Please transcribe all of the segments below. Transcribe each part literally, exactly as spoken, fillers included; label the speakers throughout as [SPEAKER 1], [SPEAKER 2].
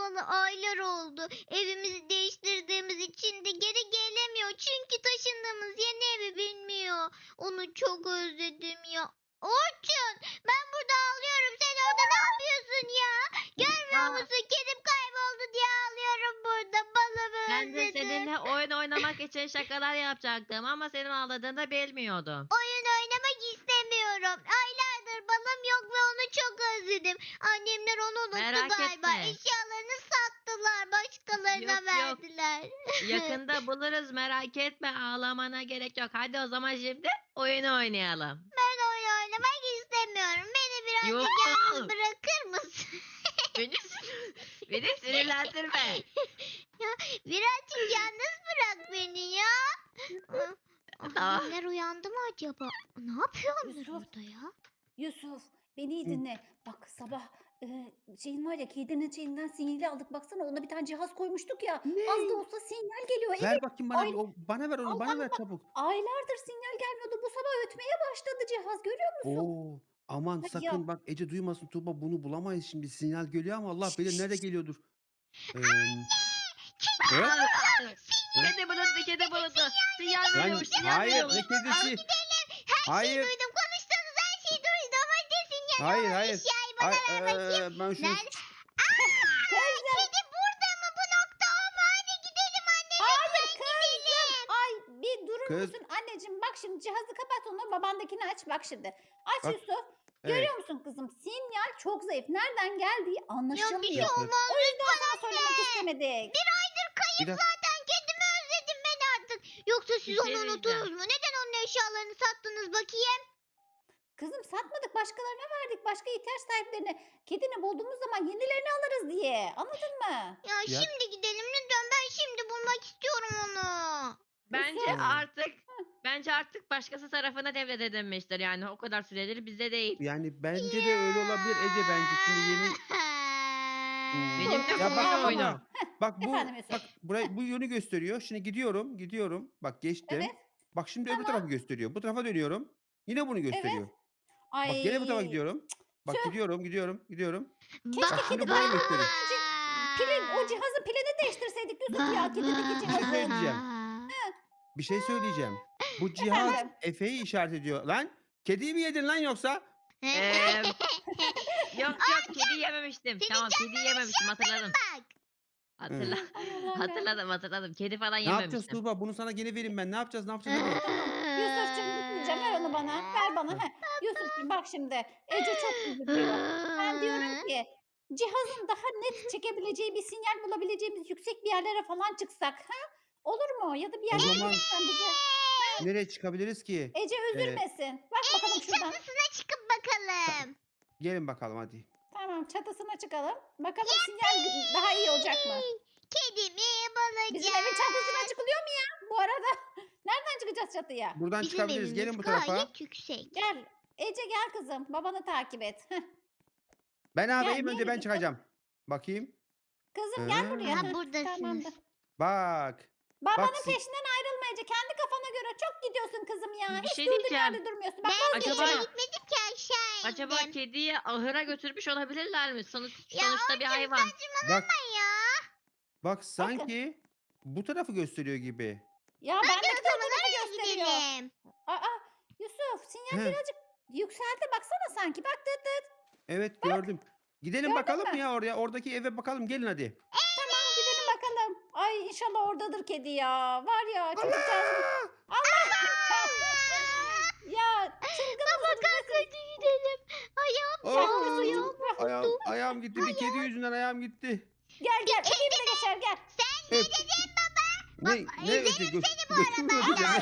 [SPEAKER 1] taşınalı aylar oldu. Evimizi değiştirdiğimiz için de geri gelemiyor. Çünkü taşındığımız yeni evi bilmiyor. Onu çok özledim ya. Orçun, ben burada ağlıyorum. Sen orada ne yapıyorsun ya? Görmüyor
[SPEAKER 2] Aa,
[SPEAKER 1] musun? Kedim kayboldu diye ağlıyorum burada. Balımı
[SPEAKER 2] ben de
[SPEAKER 1] özledim.
[SPEAKER 2] seninle oyun oynamak için şakalar yapacaktım ama senin ağladığını da bilmiyordum.
[SPEAKER 1] Oyun oynamak istemiyorum. Aylardır balım yok ve onu çok özledim. Annemler onu unuttu
[SPEAKER 2] Merak
[SPEAKER 1] galiba.
[SPEAKER 2] etme.
[SPEAKER 1] Eşyalarını sattılar. Başkalarına
[SPEAKER 2] Yok yok.
[SPEAKER 1] verdiler.
[SPEAKER 2] Yakında buluruz, merak etme, ağlamana gerek yok. Hadi o zaman şimdi oyun oynayalım.
[SPEAKER 1] Ben oyun oynamak istemiyorum. Beni birazcık
[SPEAKER 2] Yok.
[SPEAKER 1] yalnız bırakır mısın?
[SPEAKER 2] Beni, beni sinirlendirme.
[SPEAKER 1] Ya birazcık yalnız bırak beni ya. Ah,
[SPEAKER 2] Tamam.
[SPEAKER 1] Annemler uyandı mı acaba? Ne yapıyor onlar
[SPEAKER 3] Yusuf.
[SPEAKER 1] orada ya?
[SPEAKER 3] Yusuf beni iyi
[SPEAKER 4] Hı.
[SPEAKER 3] dinle. Bak sabah e, şeyin var ya kedinin şeyinden sinyali aldık. Baksana ona bir tane cihaz koymuştuk ya. Az da
[SPEAKER 4] Ne?
[SPEAKER 3] olsa sinyal geliyor. Evet
[SPEAKER 4] Ver bakayım bana.
[SPEAKER 3] ay,
[SPEAKER 4] bir, O, bana ver onu.
[SPEAKER 3] al
[SPEAKER 4] Bana
[SPEAKER 3] al
[SPEAKER 4] ver
[SPEAKER 3] bak.
[SPEAKER 4] çabuk.
[SPEAKER 3] Aylardır sinyal gelmiyordu. Bu sabah ötmeye başladı cihaz. Görüyor musun?
[SPEAKER 4] Oo. Aman
[SPEAKER 3] Hadi ya.
[SPEAKER 4] sakın bak Ece duymasın Tuğba, bunu bulamayız şimdi. Sinyal geliyor ama Allah
[SPEAKER 3] Şşt,
[SPEAKER 4] bilir
[SPEAKER 3] şşt,
[SPEAKER 4] nerede
[SPEAKER 3] şşt.
[SPEAKER 4] geliyordur. Ee,
[SPEAKER 1] Kedi
[SPEAKER 4] he?
[SPEAKER 2] Aa,
[SPEAKER 4] He?
[SPEAKER 2] Kedi bulundu, kedi bulundu. Sinyal
[SPEAKER 4] Lan
[SPEAKER 2] veriyormuş, sinyal
[SPEAKER 4] hayır,
[SPEAKER 2] veriyormuş.
[SPEAKER 4] ne kedisi?
[SPEAKER 1] Her şeyi
[SPEAKER 4] Hayır.
[SPEAKER 1] duydum. Konuştuğunuz her şeyi duydum. Hadi sinyal
[SPEAKER 4] Hayır
[SPEAKER 1] olan
[SPEAKER 4] hayır.
[SPEAKER 1] eşyayı bana
[SPEAKER 4] Ay,
[SPEAKER 1] ver bakayım.
[SPEAKER 4] eee, ben şunu
[SPEAKER 1] Nerede? Aa, kedi burada mı? Bu nokta o mu? Hadi gidelim annemle
[SPEAKER 3] Hayır
[SPEAKER 1] hemen
[SPEAKER 3] kızım.
[SPEAKER 1] gidelim.
[SPEAKER 3] Ay bir durur
[SPEAKER 4] kız.
[SPEAKER 3] musun anneciğim? Bak şimdi cihazı kapat onu. Babandakini aç. Bak şimdi. Aç
[SPEAKER 4] Bak.
[SPEAKER 3] Yusuf.
[SPEAKER 4] Evet.
[SPEAKER 3] Görüyor musun kızım? Sinyal çok zayıf. Nereden geldiği
[SPEAKER 1] Ya bir şey
[SPEAKER 3] anlaşılmıyor.
[SPEAKER 1] olmaz.
[SPEAKER 3] O yüzden sana söylemek istemedik.
[SPEAKER 1] Bir aydır kayıp
[SPEAKER 4] Bir dakika.
[SPEAKER 1] zaten. Kedimi özledim ben artık. Yoksa siz
[SPEAKER 2] Bir
[SPEAKER 1] onu
[SPEAKER 2] şey
[SPEAKER 1] unuttunuz
[SPEAKER 2] diyeceğim.
[SPEAKER 1] mu? Neden onun eşyalarını sattınız bakayım?
[SPEAKER 3] Kızım satmadık başkalarına verdik. Başka ihtiyaç sahiplerine. Kedini bulduğumuz zaman yenilerini alırız diye. Anladın mı?
[SPEAKER 1] Ya,
[SPEAKER 4] Ya-
[SPEAKER 1] şimdi gidelim lütfen. Ben şimdi bulmak istiyorum onu.
[SPEAKER 2] Bence
[SPEAKER 3] Yusuf.
[SPEAKER 2] artık bence artık başkası tarafına devredilmiştir. Yani o kadar süredir bizde değil.
[SPEAKER 4] Yani bence de öyle olabilir Ece, bence şimdi yeni. Hmm,
[SPEAKER 2] Benim de
[SPEAKER 4] ya bak
[SPEAKER 2] oyun
[SPEAKER 4] ama
[SPEAKER 2] oyna.
[SPEAKER 4] bak bu
[SPEAKER 3] Efendim Yusuf.
[SPEAKER 4] bak burayı bu yönü gösteriyor. Şimdi gidiyorum, gidiyorum. Bak geçtim.
[SPEAKER 3] Evet.
[SPEAKER 4] Bak şimdi öbür
[SPEAKER 3] Tamam.
[SPEAKER 4] tarafı gösteriyor. Bu tarafa dönüyorum. Yine bunu gösteriyor.
[SPEAKER 3] Ay.
[SPEAKER 4] Bak gene bu tarafa gidiyorum. Bak
[SPEAKER 3] Tüh.
[SPEAKER 4] gidiyorum, gidiyorum, gidiyorum.
[SPEAKER 3] Keşke
[SPEAKER 4] Bak şimdi
[SPEAKER 3] kedi
[SPEAKER 4] burayı
[SPEAKER 3] bulmadan
[SPEAKER 4] gösteriyor.
[SPEAKER 3] önce pilin, o cihazın pilini değiştirseydik Yusuf ya. Kedideki
[SPEAKER 4] Bir şey
[SPEAKER 3] cihazı.
[SPEAKER 4] söyleyeceğim. Bir şey söyleyeceğim. Bu cihaz
[SPEAKER 3] Efendim?
[SPEAKER 4] Efe'yi işaret ediyor. Lan kediyi mi yedin lan yoksa?
[SPEAKER 2] Eee, yok yok, kedi yememiştim.
[SPEAKER 1] Senin
[SPEAKER 2] Tamam, kedi yememiştim, hatırladım.
[SPEAKER 1] Bak.
[SPEAKER 2] Hatırla
[SPEAKER 3] Ay Allah'ım ya.
[SPEAKER 2] hatırladım hatırladım. Kedi falan
[SPEAKER 4] Ne yapacağız
[SPEAKER 2] yememiştim.
[SPEAKER 4] Tuğba? Bunu sana gene vereyim ben. Ne yapacağız? Ne yapacağız? Hadi.
[SPEAKER 3] Tamam. Yusuf'cum gitmeyeceğim. Ver onu bana. Ver bana. Heh. Yusuf'cum bak şimdi. Ece çok üzülüyor. Ben diyorum ki cihazın daha net çekebileceği bir sinyal bulabileceğimiz yüksek bir yerlere falan çıksak. Ha? Olur mu? Ya da bir
[SPEAKER 4] O
[SPEAKER 3] yerlere
[SPEAKER 4] zaman
[SPEAKER 3] gitsen bize.
[SPEAKER 4] nereye çıkabiliriz ki?
[SPEAKER 3] Ece üzülmesin. Bak bakalım şuradan.
[SPEAKER 1] Çatısına çıkıp bakalım.
[SPEAKER 4] Gelin bakalım hadi.
[SPEAKER 3] Tamam çatısına çıkalım. Bakalım sinyal daha iyi olacak mı?
[SPEAKER 1] Kedimi
[SPEAKER 3] Bizim
[SPEAKER 1] bulacağım.
[SPEAKER 3] evin çatısına çıkılıyor mu ya? Bu arada nereden çıkacağız çatıya?
[SPEAKER 4] Buradan
[SPEAKER 1] Bizim
[SPEAKER 4] çıkabiliriz.
[SPEAKER 1] evimiz
[SPEAKER 4] Gelin bu tarafa.
[SPEAKER 1] gayet yüksek.
[SPEAKER 3] Gel. Ece gel kızım. Babanı takip et. Heh.
[SPEAKER 4] Ben
[SPEAKER 3] Gel,
[SPEAKER 4] ağabeyim, önce
[SPEAKER 3] nereye
[SPEAKER 4] ben
[SPEAKER 3] gittin?
[SPEAKER 4] çıkacağım. Bakayım.
[SPEAKER 3] Kızım gel buraya.
[SPEAKER 1] Ha,
[SPEAKER 3] Heh,
[SPEAKER 1] buradasınız.
[SPEAKER 3] Tamamdır.
[SPEAKER 4] Bak.
[SPEAKER 3] Babanın
[SPEAKER 4] Bak siz-
[SPEAKER 3] peşinden ayrılma Ece. Kendi kafana göre çok gidiyorsun kızım ya.
[SPEAKER 2] Bir
[SPEAKER 3] Hiç
[SPEAKER 2] şey
[SPEAKER 3] durduk
[SPEAKER 2] diyeceğim.
[SPEAKER 3] yerde durmuyorsun. Bak
[SPEAKER 1] Ben
[SPEAKER 2] Acaba-
[SPEAKER 1] acaba... gitmedim ki aşağı indim.
[SPEAKER 2] Acaba kediyi ahıra götürmüş olabilirler mi? Sonuç,
[SPEAKER 1] Ya
[SPEAKER 2] sonuçta bir hayvan.
[SPEAKER 4] Bak.
[SPEAKER 1] ya.
[SPEAKER 4] Bak sanki bu tarafı gösteriyor gibi.
[SPEAKER 3] ya
[SPEAKER 1] Bence
[SPEAKER 3] bendeki
[SPEAKER 1] o
[SPEAKER 3] de o
[SPEAKER 1] zaman
[SPEAKER 3] tarafı
[SPEAKER 1] oraya
[SPEAKER 3] gösteriyor.
[SPEAKER 1] gidelim.
[SPEAKER 3] Aa, Yusuf sinyal
[SPEAKER 4] He.
[SPEAKER 3] birazcık yükseldi. Baksana sanki. Bak dıt dıt.
[SPEAKER 4] Evet gördüm. Gidelim
[SPEAKER 3] Gördün
[SPEAKER 4] bakalım
[SPEAKER 3] mü?
[SPEAKER 4] ya oraya. Oradaki eve bakalım. Gelin hadi.
[SPEAKER 3] Tamam gidelim bakalım. Ay inşallah oradadır kedi ya. Var ya çocukcağız. Ya çılgın
[SPEAKER 1] Baba
[SPEAKER 3] mısınız?
[SPEAKER 1] kalk hadi gidelim. Ayağım
[SPEAKER 4] Aa,
[SPEAKER 1] yandı. Ayağım
[SPEAKER 4] ayağım,
[SPEAKER 1] koptu.
[SPEAKER 4] ayağım gitti. Bir kedi yüzünden ayağım gitti.
[SPEAKER 3] Gel gel öpeyim de geçer gel.
[SPEAKER 4] Evet. Ne, ne öte gö götümü öpeceğim.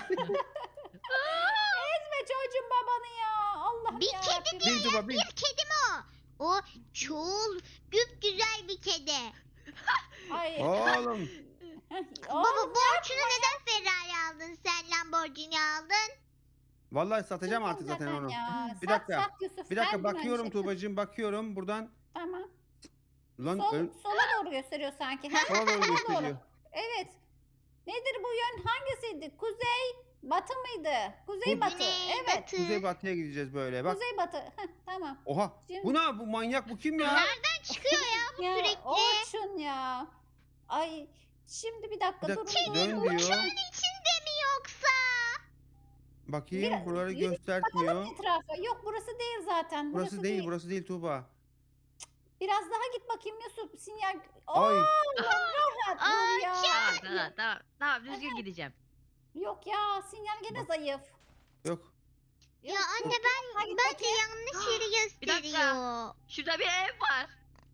[SPEAKER 3] Ezme çocuğum babanı ya. Allah
[SPEAKER 1] Bir
[SPEAKER 3] ya.
[SPEAKER 1] kedi
[SPEAKER 4] Bin Tuba bin.
[SPEAKER 1] Bir kedi mi o? O çoğul, güp güzel bir kedi.
[SPEAKER 3] Ay.
[SPEAKER 4] Oğlum.
[SPEAKER 1] Baba
[SPEAKER 3] Oğlum,
[SPEAKER 1] bu Orçun'u neden Ferrari aldın sen Lamborghini aldın?
[SPEAKER 4] Vallahi satacağım
[SPEAKER 3] çılgın
[SPEAKER 4] artık zaten
[SPEAKER 3] zaten
[SPEAKER 4] onu.
[SPEAKER 3] ya.
[SPEAKER 4] Bir
[SPEAKER 3] Sat,
[SPEAKER 4] dakika,
[SPEAKER 3] sat Yusuf,
[SPEAKER 4] Bir
[SPEAKER 3] her
[SPEAKER 4] dakika
[SPEAKER 3] gün aynı
[SPEAKER 4] bakıyorum
[SPEAKER 3] şey.
[SPEAKER 4] Tuğbacığım, bakıyorum buradan.
[SPEAKER 3] Tamam.
[SPEAKER 4] Lan
[SPEAKER 3] Sol,
[SPEAKER 4] ön,
[SPEAKER 3] sola doğru gösteriyor sanki. Ha?
[SPEAKER 4] sola doğru
[SPEAKER 3] Sola
[SPEAKER 4] gösteriyor.
[SPEAKER 3] Evet. Nedir bu yön? Hangisiydi? Kuzey, batı mıydı? Kuzey
[SPEAKER 4] Bu-
[SPEAKER 3] batı.
[SPEAKER 1] Güney,
[SPEAKER 3] Evet.
[SPEAKER 1] batı.
[SPEAKER 4] Kuzey batıya gideceğiz böyle. Bak.
[SPEAKER 3] Kuzey batı. Heh, tamam.
[SPEAKER 4] Oha.
[SPEAKER 3] Şimdi-
[SPEAKER 4] Bu ne? Bu manyak, bu kim ya?
[SPEAKER 1] Nereden çıkıyor ya bu
[SPEAKER 3] Ya
[SPEAKER 1] sürekli.
[SPEAKER 3] Orçun ya. Ay şimdi bir dakika
[SPEAKER 4] Bir
[SPEAKER 3] durun
[SPEAKER 4] dakika,
[SPEAKER 3] durun.
[SPEAKER 4] dön
[SPEAKER 3] durun.
[SPEAKER 4] diyor.
[SPEAKER 1] İçinde mi yoksa?
[SPEAKER 4] Bakayım
[SPEAKER 3] Biraz-
[SPEAKER 4] buraları
[SPEAKER 3] yürü,
[SPEAKER 4] göstermiyor.
[SPEAKER 3] Bakalım etrafa. Yok burası değil zaten. Burası,
[SPEAKER 4] Burası değil, burası değil Tuğba.
[SPEAKER 3] Biraz daha git bakayım Yusuf. Sinyal.
[SPEAKER 4] Ay.
[SPEAKER 3] Allah rahat dur ya.
[SPEAKER 2] Tamam tamam tamam. Tamam düzgün gideceğim.
[SPEAKER 3] Yok ya sinyal gene
[SPEAKER 4] Bak.
[SPEAKER 3] zayıf.
[SPEAKER 4] Yok.
[SPEAKER 1] Ya
[SPEAKER 3] Yok,
[SPEAKER 1] anne
[SPEAKER 3] yok.
[SPEAKER 1] ben
[SPEAKER 3] Hadi
[SPEAKER 1] bence
[SPEAKER 3] bakayım.
[SPEAKER 1] yanlış yeri
[SPEAKER 2] Bir dakika.
[SPEAKER 1] gösteriyor.
[SPEAKER 2] Şurada bir ev var.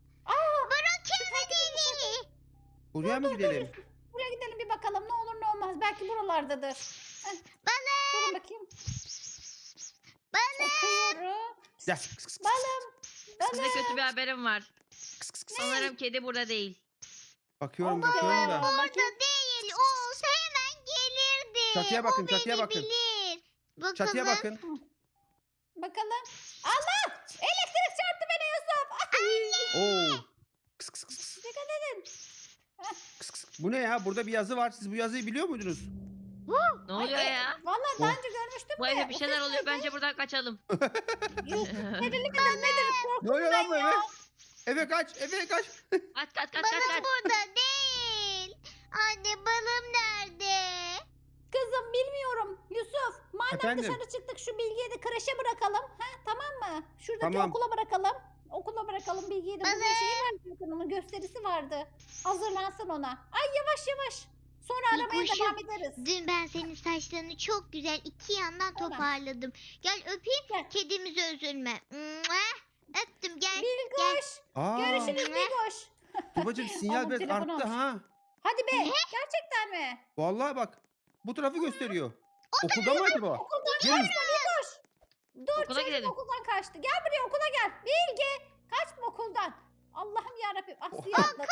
[SPEAKER 1] Beni.
[SPEAKER 4] Buraya mı gidelim?
[SPEAKER 3] Buraya gidelim bir bakalım ne olur ne olmaz. Belki buralardadır. Heh,
[SPEAKER 1] Balım.
[SPEAKER 3] durun bakayım.
[SPEAKER 1] Balım.
[SPEAKER 3] Bakıyorum.
[SPEAKER 4] Gel.
[SPEAKER 3] Balım.
[SPEAKER 2] Size kötü bir haberim var. Sanırım kedi burada değil.
[SPEAKER 4] Bakıyorum,
[SPEAKER 3] Allah
[SPEAKER 4] bakıyorum da.
[SPEAKER 3] Allah.
[SPEAKER 1] Orada
[SPEAKER 3] Bakayım.
[SPEAKER 1] değil. O olsa hemen gelirdi.
[SPEAKER 4] Çatıya bakın,
[SPEAKER 1] O
[SPEAKER 4] çatıya
[SPEAKER 1] beni
[SPEAKER 4] bakın.
[SPEAKER 1] bilir. Bakalım.
[SPEAKER 4] Çatıya bakın.
[SPEAKER 3] Bakalım. Allah! Elektrik çarptı beni Yusuf. Ay.
[SPEAKER 4] Oo. Kıs kıs kıs kıs.
[SPEAKER 3] Dikkat edin.
[SPEAKER 4] Kıs kıs. Bu ne ya? Burada bir yazı var. Siz bu yazıyı biliyor muydunuz?
[SPEAKER 2] Ne oluyor
[SPEAKER 3] Ay,
[SPEAKER 2] ya?
[SPEAKER 3] Vallahi daha önce görmüştüm
[SPEAKER 2] Bu
[SPEAKER 3] de.
[SPEAKER 2] evde bir
[SPEAKER 3] O
[SPEAKER 2] şeyler
[SPEAKER 3] ses
[SPEAKER 2] oluyor.
[SPEAKER 3] neydi?
[SPEAKER 2] Bence buradan kaçalım.
[SPEAKER 3] Yok. Kedili midir nedir? Korktum
[SPEAKER 4] Ne oluyor
[SPEAKER 3] ben
[SPEAKER 4] lan bu
[SPEAKER 3] ya.
[SPEAKER 4] eve? Eve kaç, eve kaç.
[SPEAKER 2] Kaç kaç kaç kaç
[SPEAKER 1] Balım
[SPEAKER 2] kaç.
[SPEAKER 1] burada değil. Anne balım nerede?
[SPEAKER 3] Kızım bilmiyorum. Yusuf madem
[SPEAKER 4] Efendim?
[SPEAKER 3] dışarı çıktık şu Bilge'yi de kreşe bırakalım. Ha, tamam mı? Şuradaki
[SPEAKER 4] Tamam.
[SPEAKER 3] okula bırakalım. Okula bırakalım Bilge'yi de. Bugün
[SPEAKER 1] Baba.
[SPEAKER 3] şeyi var zaten onun gösterisi vardı. Hazırlansın ona. Ay yavaş yavaş. Sonra
[SPEAKER 1] Bir
[SPEAKER 3] aramaya
[SPEAKER 1] koşu.
[SPEAKER 3] devam ederiz.
[SPEAKER 1] Dün ben senin saçlarını çok güzel iki yandan
[SPEAKER 3] Tamam.
[SPEAKER 1] toparladım. Gel öpeyim.
[SPEAKER 3] Gel.
[SPEAKER 1] Kedimize üzülme. Mua. Öptüm gel.
[SPEAKER 3] Bilgoş.
[SPEAKER 4] Aa.
[SPEAKER 3] Görüşürüz Bilgoş.
[SPEAKER 4] Tuğbacığım sinyal
[SPEAKER 3] Oğlum,
[SPEAKER 4] biraz
[SPEAKER 3] telefonu
[SPEAKER 4] arttı
[SPEAKER 3] aç.
[SPEAKER 4] ha.
[SPEAKER 3] Hadi be. Gerçekten mi?
[SPEAKER 4] Vallahi bak. Bu tarafı gösteriyor. Okulda mı acaba?
[SPEAKER 3] Okuldan
[SPEAKER 4] Gelin.
[SPEAKER 3] kaçma Bilgoş. Dur
[SPEAKER 2] Okula
[SPEAKER 3] çocuk
[SPEAKER 2] gidelim.
[SPEAKER 3] okuldan kaçtı. Gel buraya okula gel. Bilge. Kaçma okuldan. Allah'ım yarabbim. Ah
[SPEAKER 4] Oh.
[SPEAKER 3] suya atladı.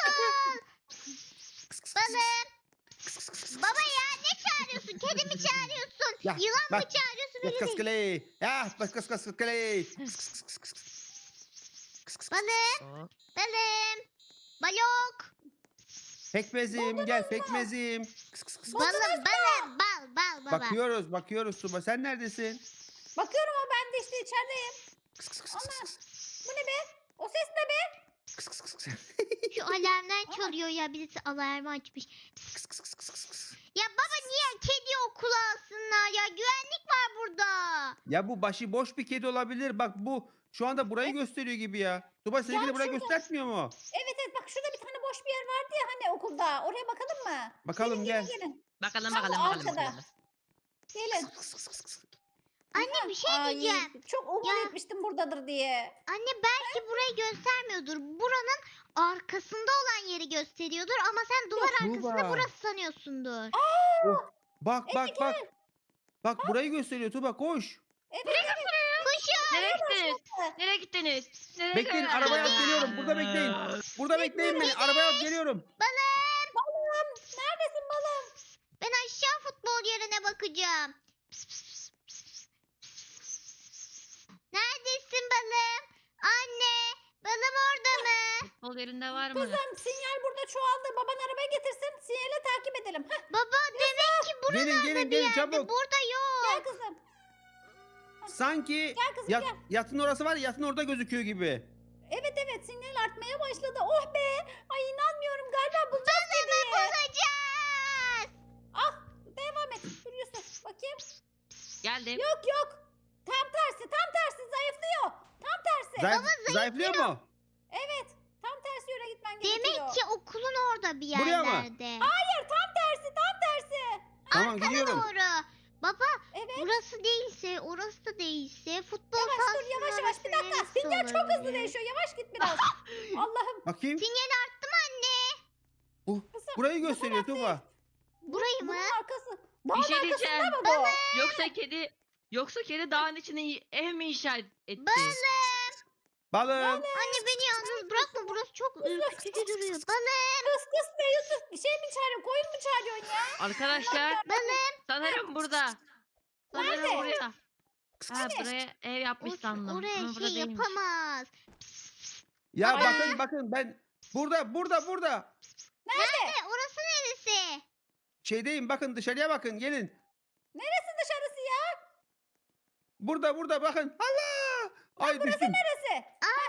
[SPEAKER 1] Balım. Baba ya ne çağırıyorsun? Kedi mi çağırıyorsun?
[SPEAKER 4] Ya,
[SPEAKER 1] Yılan mı
[SPEAKER 4] bak.
[SPEAKER 1] çağırıyorsun?
[SPEAKER 4] Kıs
[SPEAKER 1] Öyle
[SPEAKER 4] kıs
[SPEAKER 1] değil.
[SPEAKER 4] kıley. Ya bak kıs kıs kıley.
[SPEAKER 1] Balım. Balım. Balok.
[SPEAKER 4] Pekmezim gel pekmezim. Kıs kıs kıs.
[SPEAKER 1] Balım balım. Bal bal baba.
[SPEAKER 4] Bakıyoruz bakıyoruz Tuğba. Sen neredesin?
[SPEAKER 3] Bakıyorum ama ben de işte içerideyim.
[SPEAKER 4] Kıs kıs kıs
[SPEAKER 3] Ana.
[SPEAKER 4] kıs kıs.
[SPEAKER 3] Bu ne be? O ses ne be?
[SPEAKER 4] Kıs kıs kıs kıs.
[SPEAKER 1] Şu alarmlar çalıyor ya. Birisi alarmı açmış.
[SPEAKER 4] Kıs kıs kıs kıs kıs kıs.
[SPEAKER 1] Ya baba niye kedi okula alsınlar ya? Güvenlik var burada.
[SPEAKER 4] Ya bu başı boş bir kedi olabilir. Bak bu şu anda burayı gösteriyor gibi ya. Tuğba seninki de burayı
[SPEAKER 3] şurada.
[SPEAKER 4] göstermiyor mu?
[SPEAKER 3] Evet evet bak şurada bir tane boş bir yer vardı ya hani okulda. Oraya bakalım mı?
[SPEAKER 4] Bakalım
[SPEAKER 3] gelin,
[SPEAKER 4] gel.
[SPEAKER 3] Gelin gelin.
[SPEAKER 2] Bakalım
[SPEAKER 3] Tam
[SPEAKER 2] bakalım bakalım.
[SPEAKER 3] arkada.
[SPEAKER 2] bakalım.
[SPEAKER 3] Gelin.
[SPEAKER 4] Kıs kıs kıs kıs.
[SPEAKER 1] Anne bir şey
[SPEAKER 3] Ay,
[SPEAKER 1] diyeceğim.
[SPEAKER 3] çok umut
[SPEAKER 1] Ya.
[SPEAKER 3] etmiştim buradadır diye.
[SPEAKER 1] Anne belki burayı göstermiyordur. Buranın arkasında olan yeri gösteriyordur ama sen duvar
[SPEAKER 4] Tuğba.
[SPEAKER 1] arkasında burası sanıyorsundur.
[SPEAKER 4] Bak bak bak. Bak burayı gösteriyor Tuğba koş.
[SPEAKER 3] Evet evet.
[SPEAKER 1] Koşun.
[SPEAKER 2] Nereye gittiniz? Nereye gittiniz? Nereye
[SPEAKER 4] Bekleyin
[SPEAKER 2] gittiniz?
[SPEAKER 4] arabaya alıp geliyorum. Burada bekleyin. Burada bekleyin beni. Arabaya alıp geliyorum.
[SPEAKER 1] Balım.
[SPEAKER 3] Balım neredesin balım?
[SPEAKER 1] Ben aşağı futbol yerine bakacağım. Pıs, pıs, pıs, pıs, pıs. Neredesin balım? Anne. Balım orada mı?
[SPEAKER 2] Futbol yerinde var mı?
[SPEAKER 3] Kızım sinyal burada çoğaldı. Baban arabayı getirsin. Sinyali takip edelim. Heh,
[SPEAKER 1] Baba demek ki
[SPEAKER 4] Gelin
[SPEAKER 1] buralarda
[SPEAKER 4] gelin
[SPEAKER 1] bir
[SPEAKER 4] gelin
[SPEAKER 1] yerde.
[SPEAKER 4] çabuk.
[SPEAKER 1] Burada
[SPEAKER 3] gel
[SPEAKER 1] yok.
[SPEAKER 3] kızım.
[SPEAKER 4] Sanki
[SPEAKER 3] Gel kızım
[SPEAKER 4] yat,
[SPEAKER 3] gel.
[SPEAKER 4] yatın orası var ya yatın orada gözüküyor gibi.
[SPEAKER 3] Evet evet sinyal artmaya başladı. Oh be. Ay inanmıyorum galiba bulacağız kediyi.
[SPEAKER 1] Bulacağız.
[SPEAKER 3] Ah devam et. Dur Yusuf bakayım.
[SPEAKER 2] Geldim.
[SPEAKER 3] Yok yok. Tam tersi tam tersi zayıflıyor. Tam tersi.
[SPEAKER 4] Zayıf, zayıflıyor mu?
[SPEAKER 3] Evet. Tam tersi yöne gitmen gerekiyor.
[SPEAKER 1] Demek ki okulun orada bir
[SPEAKER 4] Buraya mı?
[SPEAKER 1] yerlerde.
[SPEAKER 3] Hayır tam tersi tam tersi.
[SPEAKER 4] Tamam
[SPEAKER 1] Arkana
[SPEAKER 4] gidiyorum.
[SPEAKER 1] doğru. Baba
[SPEAKER 3] Evet.
[SPEAKER 1] burası değilse orası da değilse futbol
[SPEAKER 3] Yavaş dur
[SPEAKER 1] sahasının
[SPEAKER 3] yavaş yavaş. Bir
[SPEAKER 1] orası
[SPEAKER 3] dakika.
[SPEAKER 1] neresi
[SPEAKER 3] Sinyal çok hızlı
[SPEAKER 1] olabilir?
[SPEAKER 3] değişiyor. Yavaş git biraz. Allah'ım.
[SPEAKER 4] Bakayım.
[SPEAKER 1] Sinyal arttı mı anne?
[SPEAKER 4] Bu,
[SPEAKER 3] Kızım,
[SPEAKER 4] burayı
[SPEAKER 3] bu
[SPEAKER 4] gösteriyor
[SPEAKER 3] taraf
[SPEAKER 4] Tuğba.
[SPEAKER 1] Burayı mı?
[SPEAKER 3] Bunun arkası.
[SPEAKER 2] Bir
[SPEAKER 3] Dağın
[SPEAKER 2] şey
[SPEAKER 3] arkasında
[SPEAKER 2] diyeceğim.
[SPEAKER 3] mı bu?
[SPEAKER 2] Yoksa kedi Yoksa kedi dağın içine ev mi inşa etti?
[SPEAKER 4] Balım.
[SPEAKER 1] Anne beni yalnız bırakma burası çok ürkütücü duruyor. Balım.
[SPEAKER 3] Kıs kıs be Yusuf. Bir şey mi çağırıyorsun? Koyun mu çağırıyorsun ya?
[SPEAKER 2] Arkadaşlar
[SPEAKER 1] Balım.
[SPEAKER 2] sanırım burada. Sanırım
[SPEAKER 3] Nerede?
[SPEAKER 2] buraya. Ha buraya ev yapmış
[SPEAKER 1] Or-
[SPEAKER 2] sandım.
[SPEAKER 1] oraya
[SPEAKER 2] Ama burada
[SPEAKER 1] şey
[SPEAKER 2] değilmiş.
[SPEAKER 1] yapamaz.
[SPEAKER 4] Ya
[SPEAKER 1] Aa.
[SPEAKER 4] bakın bakın ben burada burada burada.
[SPEAKER 1] Nerede? Orası neresi?
[SPEAKER 4] Şeydeyim bakın dışarıya bakın gelin.
[SPEAKER 3] Neresi dışarısı ya?
[SPEAKER 4] Burada burada bakın. Allah! Ay düştüm.
[SPEAKER 3] Neresi?
[SPEAKER 1] Aa